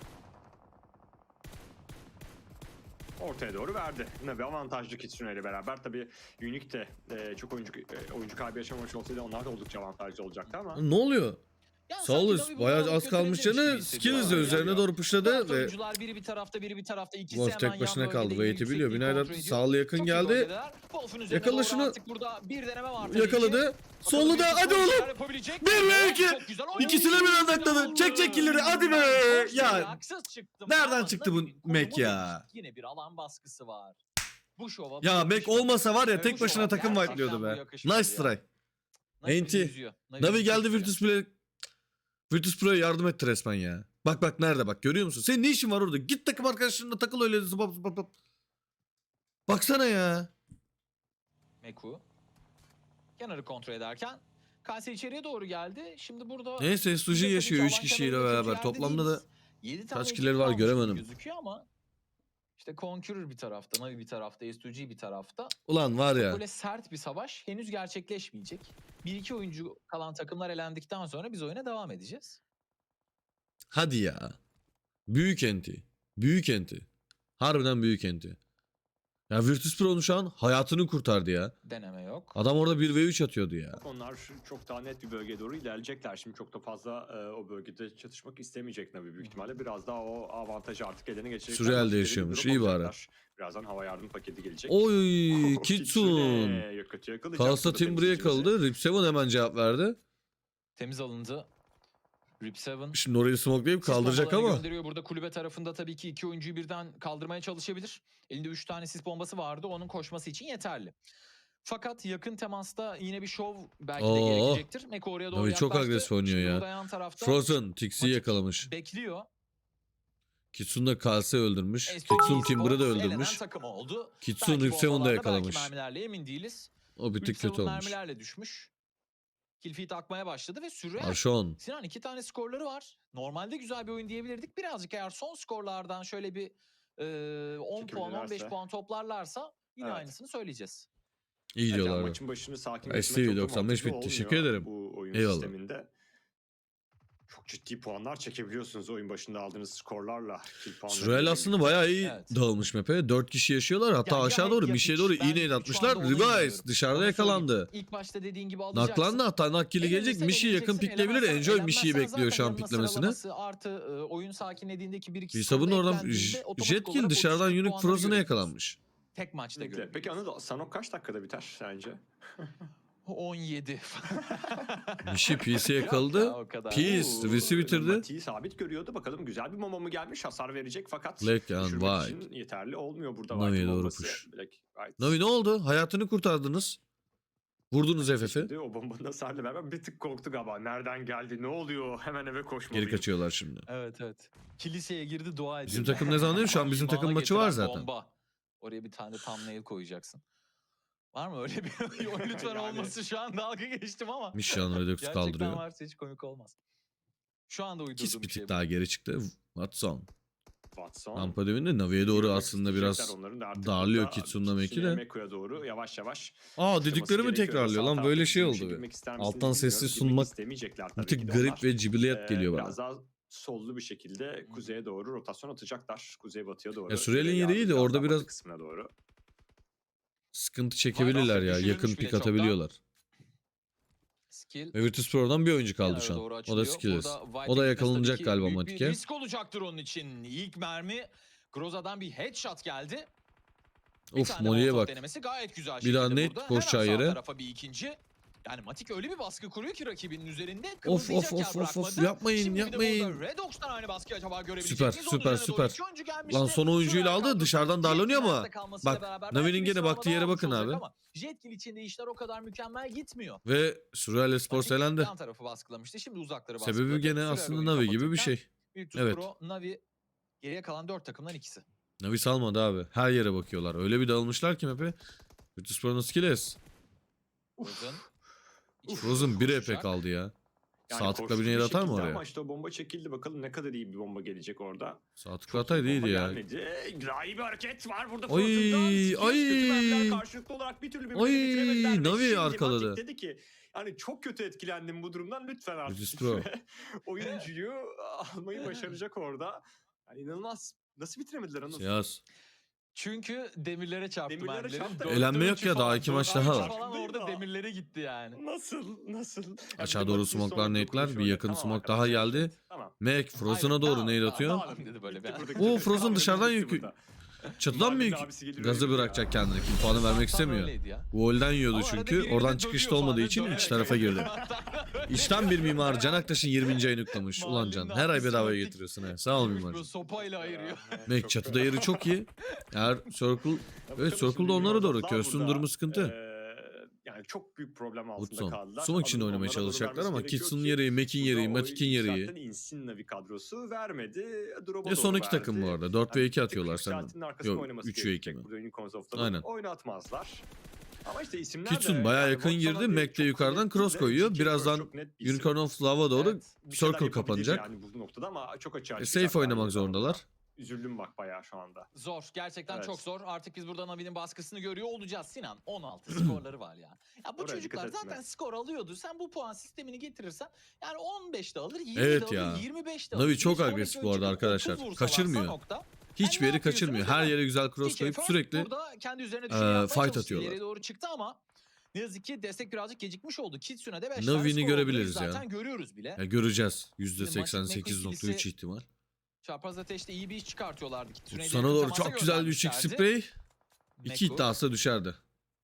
[SPEAKER 1] Ortaya doğru verdi. Yine bir avantajlı Kitsune ile beraber. Tabii Unique de çok oyuncu kaybı yaşamamış olsaydı onlar da oldukça avantajlı olacaktı ama.
[SPEAKER 2] Ne oluyor?
[SPEAKER 3] Yani
[SPEAKER 2] Saulus
[SPEAKER 3] sanki Navi
[SPEAKER 2] bayağı
[SPEAKER 3] bunu
[SPEAKER 2] az kalmış
[SPEAKER 3] götürebilirmiş
[SPEAKER 2] canı.
[SPEAKER 3] gibi
[SPEAKER 2] Skill
[SPEAKER 3] hissediyorum.
[SPEAKER 2] izle
[SPEAKER 1] Yani
[SPEAKER 2] üzerine
[SPEAKER 1] yani.
[SPEAKER 2] doğru
[SPEAKER 3] Bu
[SPEAKER 2] pushladı
[SPEAKER 3] tarafta
[SPEAKER 2] ve
[SPEAKER 3] oyuncular biri bir tarafta biri bir tarafta. İkisi
[SPEAKER 2] Wolf
[SPEAKER 3] hemen
[SPEAKER 2] tek
[SPEAKER 3] yan
[SPEAKER 2] başına
[SPEAKER 3] bölgede
[SPEAKER 2] kaldı.
[SPEAKER 3] yine
[SPEAKER 2] Wait'i biliyor.
[SPEAKER 3] yüksekliği
[SPEAKER 2] Binayla
[SPEAKER 3] kontrol ediyor.
[SPEAKER 2] sağlı yakın
[SPEAKER 3] Çok iyi
[SPEAKER 2] geldi.
[SPEAKER 3] bölgedeler. Wolf'un üzerine
[SPEAKER 2] Yakala
[SPEAKER 3] doğru
[SPEAKER 2] şunu.
[SPEAKER 3] artık burada bir deneme var tabii ki.
[SPEAKER 2] Yakaladı.
[SPEAKER 3] Bakalım
[SPEAKER 2] Solu da
[SPEAKER 3] bir
[SPEAKER 2] hadi
[SPEAKER 3] skor
[SPEAKER 2] oğlum.
[SPEAKER 3] yapabilecek mi?
[SPEAKER 2] 1 ve 2.
[SPEAKER 3] Çok güzel oynadı.
[SPEAKER 2] İkisine bir atladı. Çek killeri hadi be.
[SPEAKER 3] Çok
[SPEAKER 2] Ya
[SPEAKER 3] haksız çıktım
[SPEAKER 2] nereden
[SPEAKER 3] ama
[SPEAKER 2] çıktı bu
[SPEAKER 3] Navi'nin
[SPEAKER 2] Mac
[SPEAKER 3] konumu
[SPEAKER 2] ya?
[SPEAKER 3] değişik. Yine bir alan baskısı var. Bu şova bu
[SPEAKER 2] ya Mac
[SPEAKER 3] yakışmadı.
[SPEAKER 2] olmasa var ya
[SPEAKER 3] Bu
[SPEAKER 2] tek başına
[SPEAKER 3] şova
[SPEAKER 2] takım
[SPEAKER 3] gerçekten
[SPEAKER 2] white'lıyordu
[SPEAKER 3] bu
[SPEAKER 2] be.
[SPEAKER 3] yakışmadı
[SPEAKER 2] Nice
[SPEAKER 3] ya.
[SPEAKER 2] try.
[SPEAKER 3] Navi
[SPEAKER 2] Enti.
[SPEAKER 3] yüzüyor.
[SPEAKER 2] Navi geldi
[SPEAKER 3] çok
[SPEAKER 2] Virtus Pro'ya. Virtus Pro'ya yardım etti resmen ya. Bak bak nerede bak görüyor musun? Senin ne işin var orada? Git takım arkadaşlarınla takıl öyle zıbap zıbap zıbap. Baksana ya.
[SPEAKER 3] Meku. Kenarı kontrol ederken Kalse içeriye doğru geldi. Şimdi burada
[SPEAKER 2] Neyse
[SPEAKER 3] biz de
[SPEAKER 2] Suji
[SPEAKER 3] tabii ki
[SPEAKER 2] yaşıyor 3
[SPEAKER 3] alan
[SPEAKER 2] kişiyle
[SPEAKER 3] kenarında kötü
[SPEAKER 2] beraber.
[SPEAKER 3] yerde
[SPEAKER 2] Toplamda da
[SPEAKER 3] değiliz. 7 tane
[SPEAKER 2] kaç
[SPEAKER 3] ekip
[SPEAKER 2] kişileri var
[SPEAKER 3] kalmış gibi
[SPEAKER 2] göremedim.
[SPEAKER 3] gözüküyor ama işte Conqueror bir tarafta, Navi bir tarafta, S2G bir tarafta.
[SPEAKER 2] Ulan var ya.
[SPEAKER 3] Böyle sert bir savaş henüz gerçekleşmeyecek. 1-2 oyuncu kalan takımlar elendikten sonra biz oyuna devam edeceğiz.
[SPEAKER 2] Hadi ya. Büyük enti. Büyük enti. Harbiden büyük enti. Ya Virtus Pro'nun şu an hayatını kurtardı ya.
[SPEAKER 3] Deneme yok.
[SPEAKER 2] Adam orada 1v3 atıyordu ya.
[SPEAKER 1] Onlar çok daha net bir bölgeye doğru ilerleyecekler. Şimdi çok da fazla o bölgede çatışmak istemeyecek Navi büyük ihtimalle. Biraz daha o avantajı artık eline geçirecekler.
[SPEAKER 2] Sürreal'de
[SPEAKER 1] Rakipleri
[SPEAKER 2] yaşıyormuş,
[SPEAKER 1] bir
[SPEAKER 2] iyi
[SPEAKER 1] durum
[SPEAKER 2] bari.
[SPEAKER 1] alacaklar. Birazdan hava yardım paketi gelecek.
[SPEAKER 2] Oy Kitsun.
[SPEAKER 1] Kitsune kötü yakalayacak.
[SPEAKER 2] Kalsa
[SPEAKER 1] burada
[SPEAKER 2] Timber'e
[SPEAKER 1] temsilcimizi.
[SPEAKER 2] kaldı. Rip 7 hemen cevap verdi.
[SPEAKER 3] Temiz alındı. Rip 7.
[SPEAKER 2] Şimdi orayı smokelayıp
[SPEAKER 3] Sis
[SPEAKER 2] kaldıracak
[SPEAKER 3] bombalarını
[SPEAKER 2] ama.
[SPEAKER 3] gönderiyor. Burada kulübe tarafında tabii ki 2 oyuncuyu birden kaldırmaya çalışabilir. Elinde 3 tane sis bombası vardı. Onun koşması için yeterli. Fakat yakın temasta yine bir şov belki de
[SPEAKER 2] Oo.
[SPEAKER 3] gerekecektir. Meko oraya doğru
[SPEAKER 2] Navi çok
[SPEAKER 3] yaklaştı.
[SPEAKER 2] agresif oynuyor
[SPEAKER 3] Şimdi
[SPEAKER 2] ya.
[SPEAKER 3] burada yan tarafta
[SPEAKER 2] Frozen Tix'i
[SPEAKER 3] Matik
[SPEAKER 2] yakalamış.
[SPEAKER 3] bekliyor.
[SPEAKER 2] Kitsun da Kalse öldürmüş.
[SPEAKER 3] S2G
[SPEAKER 2] Kitsun Timber'ı da
[SPEAKER 3] elenen
[SPEAKER 2] öldürmüş.
[SPEAKER 3] takım oldu.
[SPEAKER 2] Kitsun
[SPEAKER 3] Belki
[SPEAKER 2] Rip 7'de
[SPEAKER 3] bombalarla,
[SPEAKER 2] yakalamış.
[SPEAKER 3] belki mermilerle emin değiliz.
[SPEAKER 2] O bir
[SPEAKER 3] Rip
[SPEAKER 2] tık
[SPEAKER 3] 7
[SPEAKER 2] kötü olmuş.
[SPEAKER 3] mermilerle düşmüş. Killfeed akmaya başladı ve süre.
[SPEAKER 2] Arşon.
[SPEAKER 3] Sinan 2 tane skorları var. Normalde güzel bir oyun diyebilirdik. Birazcık eğer son skorlardan şöyle bir 10 puan 15
[SPEAKER 1] Çekebilirlerse.
[SPEAKER 3] puan toplarlarsa yine
[SPEAKER 1] Evet.
[SPEAKER 3] aynısını söyleyeceğiz.
[SPEAKER 2] İyi
[SPEAKER 1] Evet, yani
[SPEAKER 2] diyorlar.
[SPEAKER 1] maçın başını sakin
[SPEAKER 2] STV
[SPEAKER 1] geçirmek çok da
[SPEAKER 2] 95
[SPEAKER 1] mantıklı
[SPEAKER 2] teşekkür
[SPEAKER 1] olmuyor
[SPEAKER 2] ederim.
[SPEAKER 1] bu oyun
[SPEAKER 2] Eyvallah.
[SPEAKER 1] sisteminde. çok ciddi puanlar çekebiliyorsunuz oyun başında aldığınız skorlarla.
[SPEAKER 2] Surreal aslında bayağı iyi dağılmış map'e. 4 kişi yaşıyorlar. Hatta
[SPEAKER 3] Ya
[SPEAKER 2] aşağı doğru
[SPEAKER 3] ya
[SPEAKER 2] bir şeye
[SPEAKER 3] hiç.
[SPEAKER 2] doğru
[SPEAKER 3] Ben
[SPEAKER 2] iğneyle
[SPEAKER 3] şu
[SPEAKER 2] atmışlar.
[SPEAKER 3] anda onu
[SPEAKER 2] Revice
[SPEAKER 3] inanıyorum.
[SPEAKER 2] dışarıda
[SPEAKER 3] Onu
[SPEAKER 2] yakalandı.
[SPEAKER 3] söyleyeyim. İlk başta dediğin gibi alacaksın.
[SPEAKER 2] Naklandı, hatta Nakkili gelecek.
[SPEAKER 3] Elenirsen
[SPEAKER 2] Mişi yakın
[SPEAKER 3] eleneceksin,
[SPEAKER 2] pikleyebilir.
[SPEAKER 3] elenmezsen
[SPEAKER 2] Enjoy Mişi'yi
[SPEAKER 3] elenmezsen
[SPEAKER 2] bekliyor şu an
[SPEAKER 3] zaten yanına
[SPEAKER 2] piklemesini.
[SPEAKER 3] sıralaması artı oyun sakinlediğindeki 1-2
[SPEAKER 2] Hesabın
[SPEAKER 3] skor da
[SPEAKER 2] oradan
[SPEAKER 3] eklendiğinde otomatik
[SPEAKER 2] Jetkill
[SPEAKER 3] olarak
[SPEAKER 2] dışarıdan
[SPEAKER 3] 33
[SPEAKER 2] Unique
[SPEAKER 3] puanları
[SPEAKER 2] Frozen'a
[SPEAKER 3] görüyorsunuz.
[SPEAKER 2] yakalanmış.
[SPEAKER 3] Tek maçta
[SPEAKER 1] Peki
[SPEAKER 3] görüyorsunuz.
[SPEAKER 1] Anıl, Sanok kaç dakikada biter sence?
[SPEAKER 3] 17.
[SPEAKER 2] Mişi PC
[SPEAKER 3] Yok
[SPEAKER 2] yakaladı.
[SPEAKER 3] ya, o kadar.
[SPEAKER 2] Peace Risi bitirdi.
[SPEAKER 1] Mati'yi sabit görüyordu. Bakalım güzel bir mama mı gelmiş? Hasar verecek fakat
[SPEAKER 2] Black and
[SPEAKER 1] düşürmek
[SPEAKER 2] White.
[SPEAKER 1] için yeterli olmuyor burada.
[SPEAKER 2] Navi'ye
[SPEAKER 1] White'ın
[SPEAKER 2] doğru
[SPEAKER 1] bombası.
[SPEAKER 2] push.
[SPEAKER 1] Black, White.
[SPEAKER 2] Navi ne oldu? Hayatını kurtardınız. Vurdunuz FF'i.
[SPEAKER 1] Şimdi o bombanın hasarla beraber bir tık korktu galiba. Nereden geldi? Ne oluyor? Hemen eve koşmalıyım.
[SPEAKER 2] Geri kaçıyorlar şimdi.
[SPEAKER 3] Evet. Kiliseye girdi, dua ediyor.
[SPEAKER 2] Bizim takım ne zaman değil mi? Şu an bizim takım maçı var zaten.
[SPEAKER 3] Bomba. Oraya bir tane thumbnail koyacaksın. Var mı öyle bir oyun lütfen
[SPEAKER 1] Yani.
[SPEAKER 3] olması, şu an dalga geçtim ama.
[SPEAKER 2] Mişan Redux
[SPEAKER 3] Gerçekten
[SPEAKER 2] kaldırıyor.
[SPEAKER 3] varsa hiç komik olmaz. Şu anda uydurduğum
[SPEAKER 2] Kiss bir
[SPEAKER 3] bir
[SPEAKER 2] tık
[SPEAKER 3] şey bu.
[SPEAKER 2] daha geri çıktı. Watson.
[SPEAKER 1] Watson.
[SPEAKER 2] Rampa dibinde Navi'ye doğru
[SPEAKER 1] Yürümek
[SPEAKER 2] aslında biraz
[SPEAKER 1] isteyecekler onların da artık
[SPEAKER 2] darlıyor
[SPEAKER 1] burada
[SPEAKER 2] Kitsun'la Mek'i de.
[SPEAKER 1] Meko'ya doğru yavaş yavaş.
[SPEAKER 2] Dediklerimi tekrarlıyor lan, böyle şey oldu be. Alttan sessiz sunmak bir tık garip ve cibiliyet geliyor bana.
[SPEAKER 1] Biraz daha sollu bir şekilde kuzeye doğru rotasyon atacaklar. Kuzey batıya doğru.
[SPEAKER 2] Ya Surreal'in yeri iyi de orada biraz
[SPEAKER 1] kısmına doğru.
[SPEAKER 2] sıkıntı çekebilirler ya. Yakın
[SPEAKER 3] Düşürülmüş bile
[SPEAKER 2] pik atabiliyorlar.
[SPEAKER 3] Skill.
[SPEAKER 2] Ve Virtus Pro'dan bir oyuncu kaldı
[SPEAKER 3] kenara
[SPEAKER 2] şu an.
[SPEAKER 3] doğru
[SPEAKER 2] O da
[SPEAKER 3] açılıyor.
[SPEAKER 2] Skillers.
[SPEAKER 3] Burada White
[SPEAKER 2] O da
[SPEAKER 3] gitmesi
[SPEAKER 2] yakalanacak
[SPEAKER 3] tabii ki
[SPEAKER 2] galiba
[SPEAKER 3] büyük bir
[SPEAKER 2] Matik'e.
[SPEAKER 3] risk olacaktır onun için. İlk mermi Groza'dan bir headshot geldi.
[SPEAKER 2] Of, Molly'e bak.
[SPEAKER 3] Denemesi gayet güzel
[SPEAKER 2] Bir daha
[SPEAKER 3] şekilde
[SPEAKER 2] net
[SPEAKER 3] burada.
[SPEAKER 2] koşacağı
[SPEAKER 3] Hemen sağ
[SPEAKER 2] yere.
[SPEAKER 3] tarafa bir ikinci. Yani Matik öyle bir baskı kuruyor ki rakibinin üzerinde.
[SPEAKER 2] Of
[SPEAKER 3] Kımıldayacak yer
[SPEAKER 2] of
[SPEAKER 3] bırakmadı.
[SPEAKER 2] yapmayın
[SPEAKER 3] Şimdi bir de
[SPEAKER 2] yapmayın.
[SPEAKER 3] burada Redox'tan aynı baskıyı acaba görebilecek
[SPEAKER 2] Süper,
[SPEAKER 3] miyiz? Onun
[SPEAKER 2] süper,
[SPEAKER 3] üzerine doğru
[SPEAKER 2] süper.
[SPEAKER 3] iki oyuncu gelmişti.
[SPEAKER 2] Lan son oyuncuyla
[SPEAKER 3] Şuraya
[SPEAKER 2] aldı,
[SPEAKER 3] kaldı.
[SPEAKER 2] dışarıdan darlanıyor ama.
[SPEAKER 3] Jet'in kalmasıyla
[SPEAKER 2] Bak,
[SPEAKER 3] beraber
[SPEAKER 2] Navi'nin
[SPEAKER 3] belki bir
[SPEAKER 2] gene baktığı
[SPEAKER 3] sıralama
[SPEAKER 2] yere
[SPEAKER 3] almış
[SPEAKER 2] bakın
[SPEAKER 3] olacak
[SPEAKER 2] abi.
[SPEAKER 3] ama Jetkill içinde işler o kadar mükemmel gitmiyor.
[SPEAKER 2] Ve Surreal Esports
[SPEAKER 3] Matik
[SPEAKER 2] elendi.
[SPEAKER 3] yan tarafı baskılamıştı. Şimdi uzakları baskıladı.
[SPEAKER 2] Sebebi gene
[SPEAKER 3] Surreal
[SPEAKER 2] aslında
[SPEAKER 3] oyunu
[SPEAKER 2] Navi gibi bir
[SPEAKER 3] kapatırken
[SPEAKER 2] şey.
[SPEAKER 3] Virtus
[SPEAKER 2] Evet.
[SPEAKER 3] Pro, Navi geriye kalan 4 takımdan ikisi.
[SPEAKER 2] Navi salmadı abi. Her yere bakıyorlar. Öyle bir dağılmışlar ki map'e. Virtus Pro'nun Skillers.
[SPEAKER 3] Frozen.
[SPEAKER 2] Frozen 1 EP
[SPEAKER 1] koşacak.
[SPEAKER 2] kaldı ya.
[SPEAKER 1] Yani
[SPEAKER 2] Sağ tıkla
[SPEAKER 1] koştu
[SPEAKER 2] bir nade atar mı
[SPEAKER 1] şekilde
[SPEAKER 2] oraya?
[SPEAKER 1] Ama işte o bomba çekildi. Bakalım ne kadar iyi bir bomba gelecek orada.
[SPEAKER 2] Sağ tıkla
[SPEAKER 1] Çok
[SPEAKER 2] ataydı
[SPEAKER 1] iyi bomba
[SPEAKER 2] iyiydi ya.
[SPEAKER 1] gelmedi. Rahi bir hareket var burada.
[SPEAKER 2] Ay,
[SPEAKER 1] Frozen'dan. Skills
[SPEAKER 2] ay.
[SPEAKER 1] kötü mermiler karşılıklı olarak bir türlü birbirini
[SPEAKER 2] Ay,
[SPEAKER 1] bitiremediler. Ve
[SPEAKER 2] Navi
[SPEAKER 1] şimdi
[SPEAKER 2] arkaladı.
[SPEAKER 1] Matic dedi ki yani çok kötü etkilendim bu durumdan, lütfen artık.
[SPEAKER 2] Virtus Pro.
[SPEAKER 1] Oyuncuyu almayı başaracak orada. Yani inanılmaz. Nasıl bitiremediler Anıl?
[SPEAKER 2] Siyas.
[SPEAKER 3] Çünkü demirlere çarptı
[SPEAKER 1] Demirlere
[SPEAKER 3] mermileri.
[SPEAKER 1] çarptı.
[SPEAKER 3] Dördüncü
[SPEAKER 2] Elenme yok ya, daha
[SPEAKER 3] falan,
[SPEAKER 2] 2 maç
[SPEAKER 3] dördüncü
[SPEAKER 2] daha var.
[SPEAKER 3] falan orada
[SPEAKER 1] Değil mi?
[SPEAKER 3] demirlere gitti yani.
[SPEAKER 1] Nasıl?
[SPEAKER 2] Aşağı doğru smoke'lar, nade'ler. Bir yakın smoke daha geldi.
[SPEAKER 1] Tamam.
[SPEAKER 2] Mac Frozen'a doğru nade atıyor.
[SPEAKER 3] Tamam dedi böyle bir.
[SPEAKER 2] Oo, Frozen dışarıdan yükü. Çatıdan mı yük? Gazı bırakacak kendini. Kill puanı vermek istemiyor. Wall'den yiyordu
[SPEAKER 3] Ama arada
[SPEAKER 2] çünkü.
[SPEAKER 3] biriyle
[SPEAKER 2] Oradan
[SPEAKER 3] dövüyor
[SPEAKER 2] çıkışta
[SPEAKER 3] falan,
[SPEAKER 2] olmadığı
[SPEAKER 3] ne
[SPEAKER 2] için
[SPEAKER 3] dövüyor?
[SPEAKER 2] iç tarafa girdi. İçten bir mimar Can Aktaş'ın 20. ayını kutlamış. Ulan Can, her ay bedavaya getiriyorsun he. Sağ ol mimar.
[SPEAKER 3] Böyle sopayla ayırıyor.
[SPEAKER 2] Mac çatıda yeri çok iyi. Eğer Circle... Evet, Circle'da onlara doğru. Köst'ün durumu sıkıntı.
[SPEAKER 1] Yani çok büyük problem altında
[SPEAKER 2] Woodson.
[SPEAKER 1] kaldılar.
[SPEAKER 2] Smoke için
[SPEAKER 1] Alıp
[SPEAKER 2] oynamaya
[SPEAKER 1] onlara doğru
[SPEAKER 2] çalışacaklar
[SPEAKER 1] vermesi
[SPEAKER 2] ama
[SPEAKER 1] gerekiyor
[SPEAKER 2] Kits'in
[SPEAKER 1] ki
[SPEAKER 2] yeri, Mac'in yeri,
[SPEAKER 1] burada o
[SPEAKER 2] Matik'in yeri.
[SPEAKER 1] yükselten Insin Navi kadrosu vermedi. Drop'a
[SPEAKER 2] Ve son
[SPEAKER 1] doğru
[SPEAKER 2] iki takım bu
[SPEAKER 1] verdi.
[SPEAKER 2] arada. 4 ve 2
[SPEAKER 1] Yani
[SPEAKER 2] atıyorlar
[SPEAKER 1] tek
[SPEAKER 2] senden.
[SPEAKER 1] yükseltinin arkasında
[SPEAKER 2] Yok,
[SPEAKER 1] oynaması
[SPEAKER 2] 3 ve 2
[SPEAKER 1] gerekecek
[SPEAKER 2] mi?
[SPEAKER 1] burada Unicorns of
[SPEAKER 2] Aynen.
[SPEAKER 1] oynatmazlar. Ama işte isimler
[SPEAKER 2] Kitsun
[SPEAKER 1] de
[SPEAKER 2] bayağı
[SPEAKER 1] yani
[SPEAKER 2] yakın
[SPEAKER 1] Watson'a
[SPEAKER 2] girdi.
[SPEAKER 1] değil,
[SPEAKER 2] Mac de
[SPEAKER 1] çok
[SPEAKER 2] yukarıdan
[SPEAKER 1] net
[SPEAKER 2] cross
[SPEAKER 1] de
[SPEAKER 2] koyuyor.
[SPEAKER 1] Kitsun
[SPEAKER 2] Birazdan
[SPEAKER 1] çok net bir isim.
[SPEAKER 2] Unicorn of Lava doğru
[SPEAKER 3] Evet.
[SPEAKER 1] Bir şeyler
[SPEAKER 2] Circle
[SPEAKER 1] yapabilir
[SPEAKER 2] kapanacak.
[SPEAKER 1] Yani bu noktada ama çok açığa
[SPEAKER 2] Safe
[SPEAKER 1] çıkacaklar
[SPEAKER 2] oynamak
[SPEAKER 1] burada.
[SPEAKER 2] zorundalar.
[SPEAKER 1] Üzüldüm bak bayağı şu anda.
[SPEAKER 3] Zor. Gerçekten
[SPEAKER 1] Evet.
[SPEAKER 3] çok zor. Artık biz burada Navi'nin baskısını görüyor olacağız. Sinan 16 skorları var ya. Ya bu
[SPEAKER 1] Oraya
[SPEAKER 3] çocuklar
[SPEAKER 1] dikkat etme.
[SPEAKER 3] zaten skor alıyordu. Sen bu puan sistemini getirirsen yani 15 de alır, 20
[SPEAKER 2] Evet
[SPEAKER 3] de
[SPEAKER 2] ya.
[SPEAKER 3] alır, 25 de alır.
[SPEAKER 2] Navi çok
[SPEAKER 3] Bir sonraki
[SPEAKER 2] agresif bu
[SPEAKER 3] oyuncu
[SPEAKER 2] arada arkadaşlar.
[SPEAKER 3] 30 vursalar
[SPEAKER 2] Kaçırmıyor.
[SPEAKER 3] Sanok'ta,
[SPEAKER 2] Hiçbir
[SPEAKER 3] ne
[SPEAKER 2] yeri
[SPEAKER 3] yapıyorsunuz
[SPEAKER 2] kaçırmıyor. Her
[SPEAKER 3] ama?
[SPEAKER 2] yere güzel cross
[SPEAKER 3] TK
[SPEAKER 2] koyup
[SPEAKER 3] First
[SPEAKER 2] sürekli
[SPEAKER 3] burada kendi üzerine düşeni yapmaya
[SPEAKER 2] fight
[SPEAKER 3] çalıştı.
[SPEAKER 2] atıyorlar.
[SPEAKER 3] İleriye doğru çıktı ama ne yazık ki destek birazcık gecikmiş oldu. Kitsun'a da 5
[SPEAKER 2] Navi'ni
[SPEAKER 3] tane skor
[SPEAKER 2] görebiliriz
[SPEAKER 3] oldu.
[SPEAKER 2] ya.
[SPEAKER 3] Zaten görüyoruz bile.
[SPEAKER 2] göreceğiz.
[SPEAKER 3] Matic
[SPEAKER 2] %88.3 ihtimal.
[SPEAKER 3] Çarpaz ateşte iyi bir iş çıkartıyorlardı. Kitsuna'yı
[SPEAKER 2] Sana
[SPEAKER 3] yakın
[SPEAKER 2] doğru
[SPEAKER 3] temasa
[SPEAKER 2] çok güzel bir 3x
[SPEAKER 3] göndermişlerdi.
[SPEAKER 2] spray. 2
[SPEAKER 3] Meku,
[SPEAKER 2] iddiası düşerdi.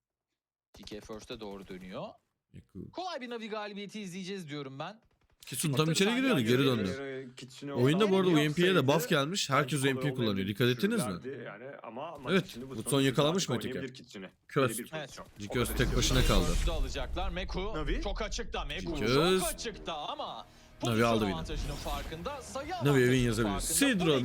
[SPEAKER 3] TK First'e doğru dönüyor. Kolay bir Navi galibiyeti izleyeceğiz diyorum ben.
[SPEAKER 2] Kitsun tam içeri giriyordu, geri döndü. Oyunda bu arada UMP'ye de buff gelmiş. Herkes UMP kullanıyor. Dikkat ettiniz mi?
[SPEAKER 1] Yani ama
[SPEAKER 2] Evet, Woodson yakalamış Matik'e. Köz. Köz tek başına kaldı.
[SPEAKER 3] First'ü alacaklar. Meku
[SPEAKER 1] Navi.
[SPEAKER 3] çok açıkta. Meku
[SPEAKER 2] Göz.
[SPEAKER 3] çok açıkta ama
[SPEAKER 2] Navi aldı
[SPEAKER 3] pozisyon
[SPEAKER 2] yine.
[SPEAKER 3] avantajının farkında. Sayı
[SPEAKER 2] Navi
[SPEAKER 3] avantajının
[SPEAKER 2] evin yazabilir.
[SPEAKER 3] farkında.
[SPEAKER 2] Sidro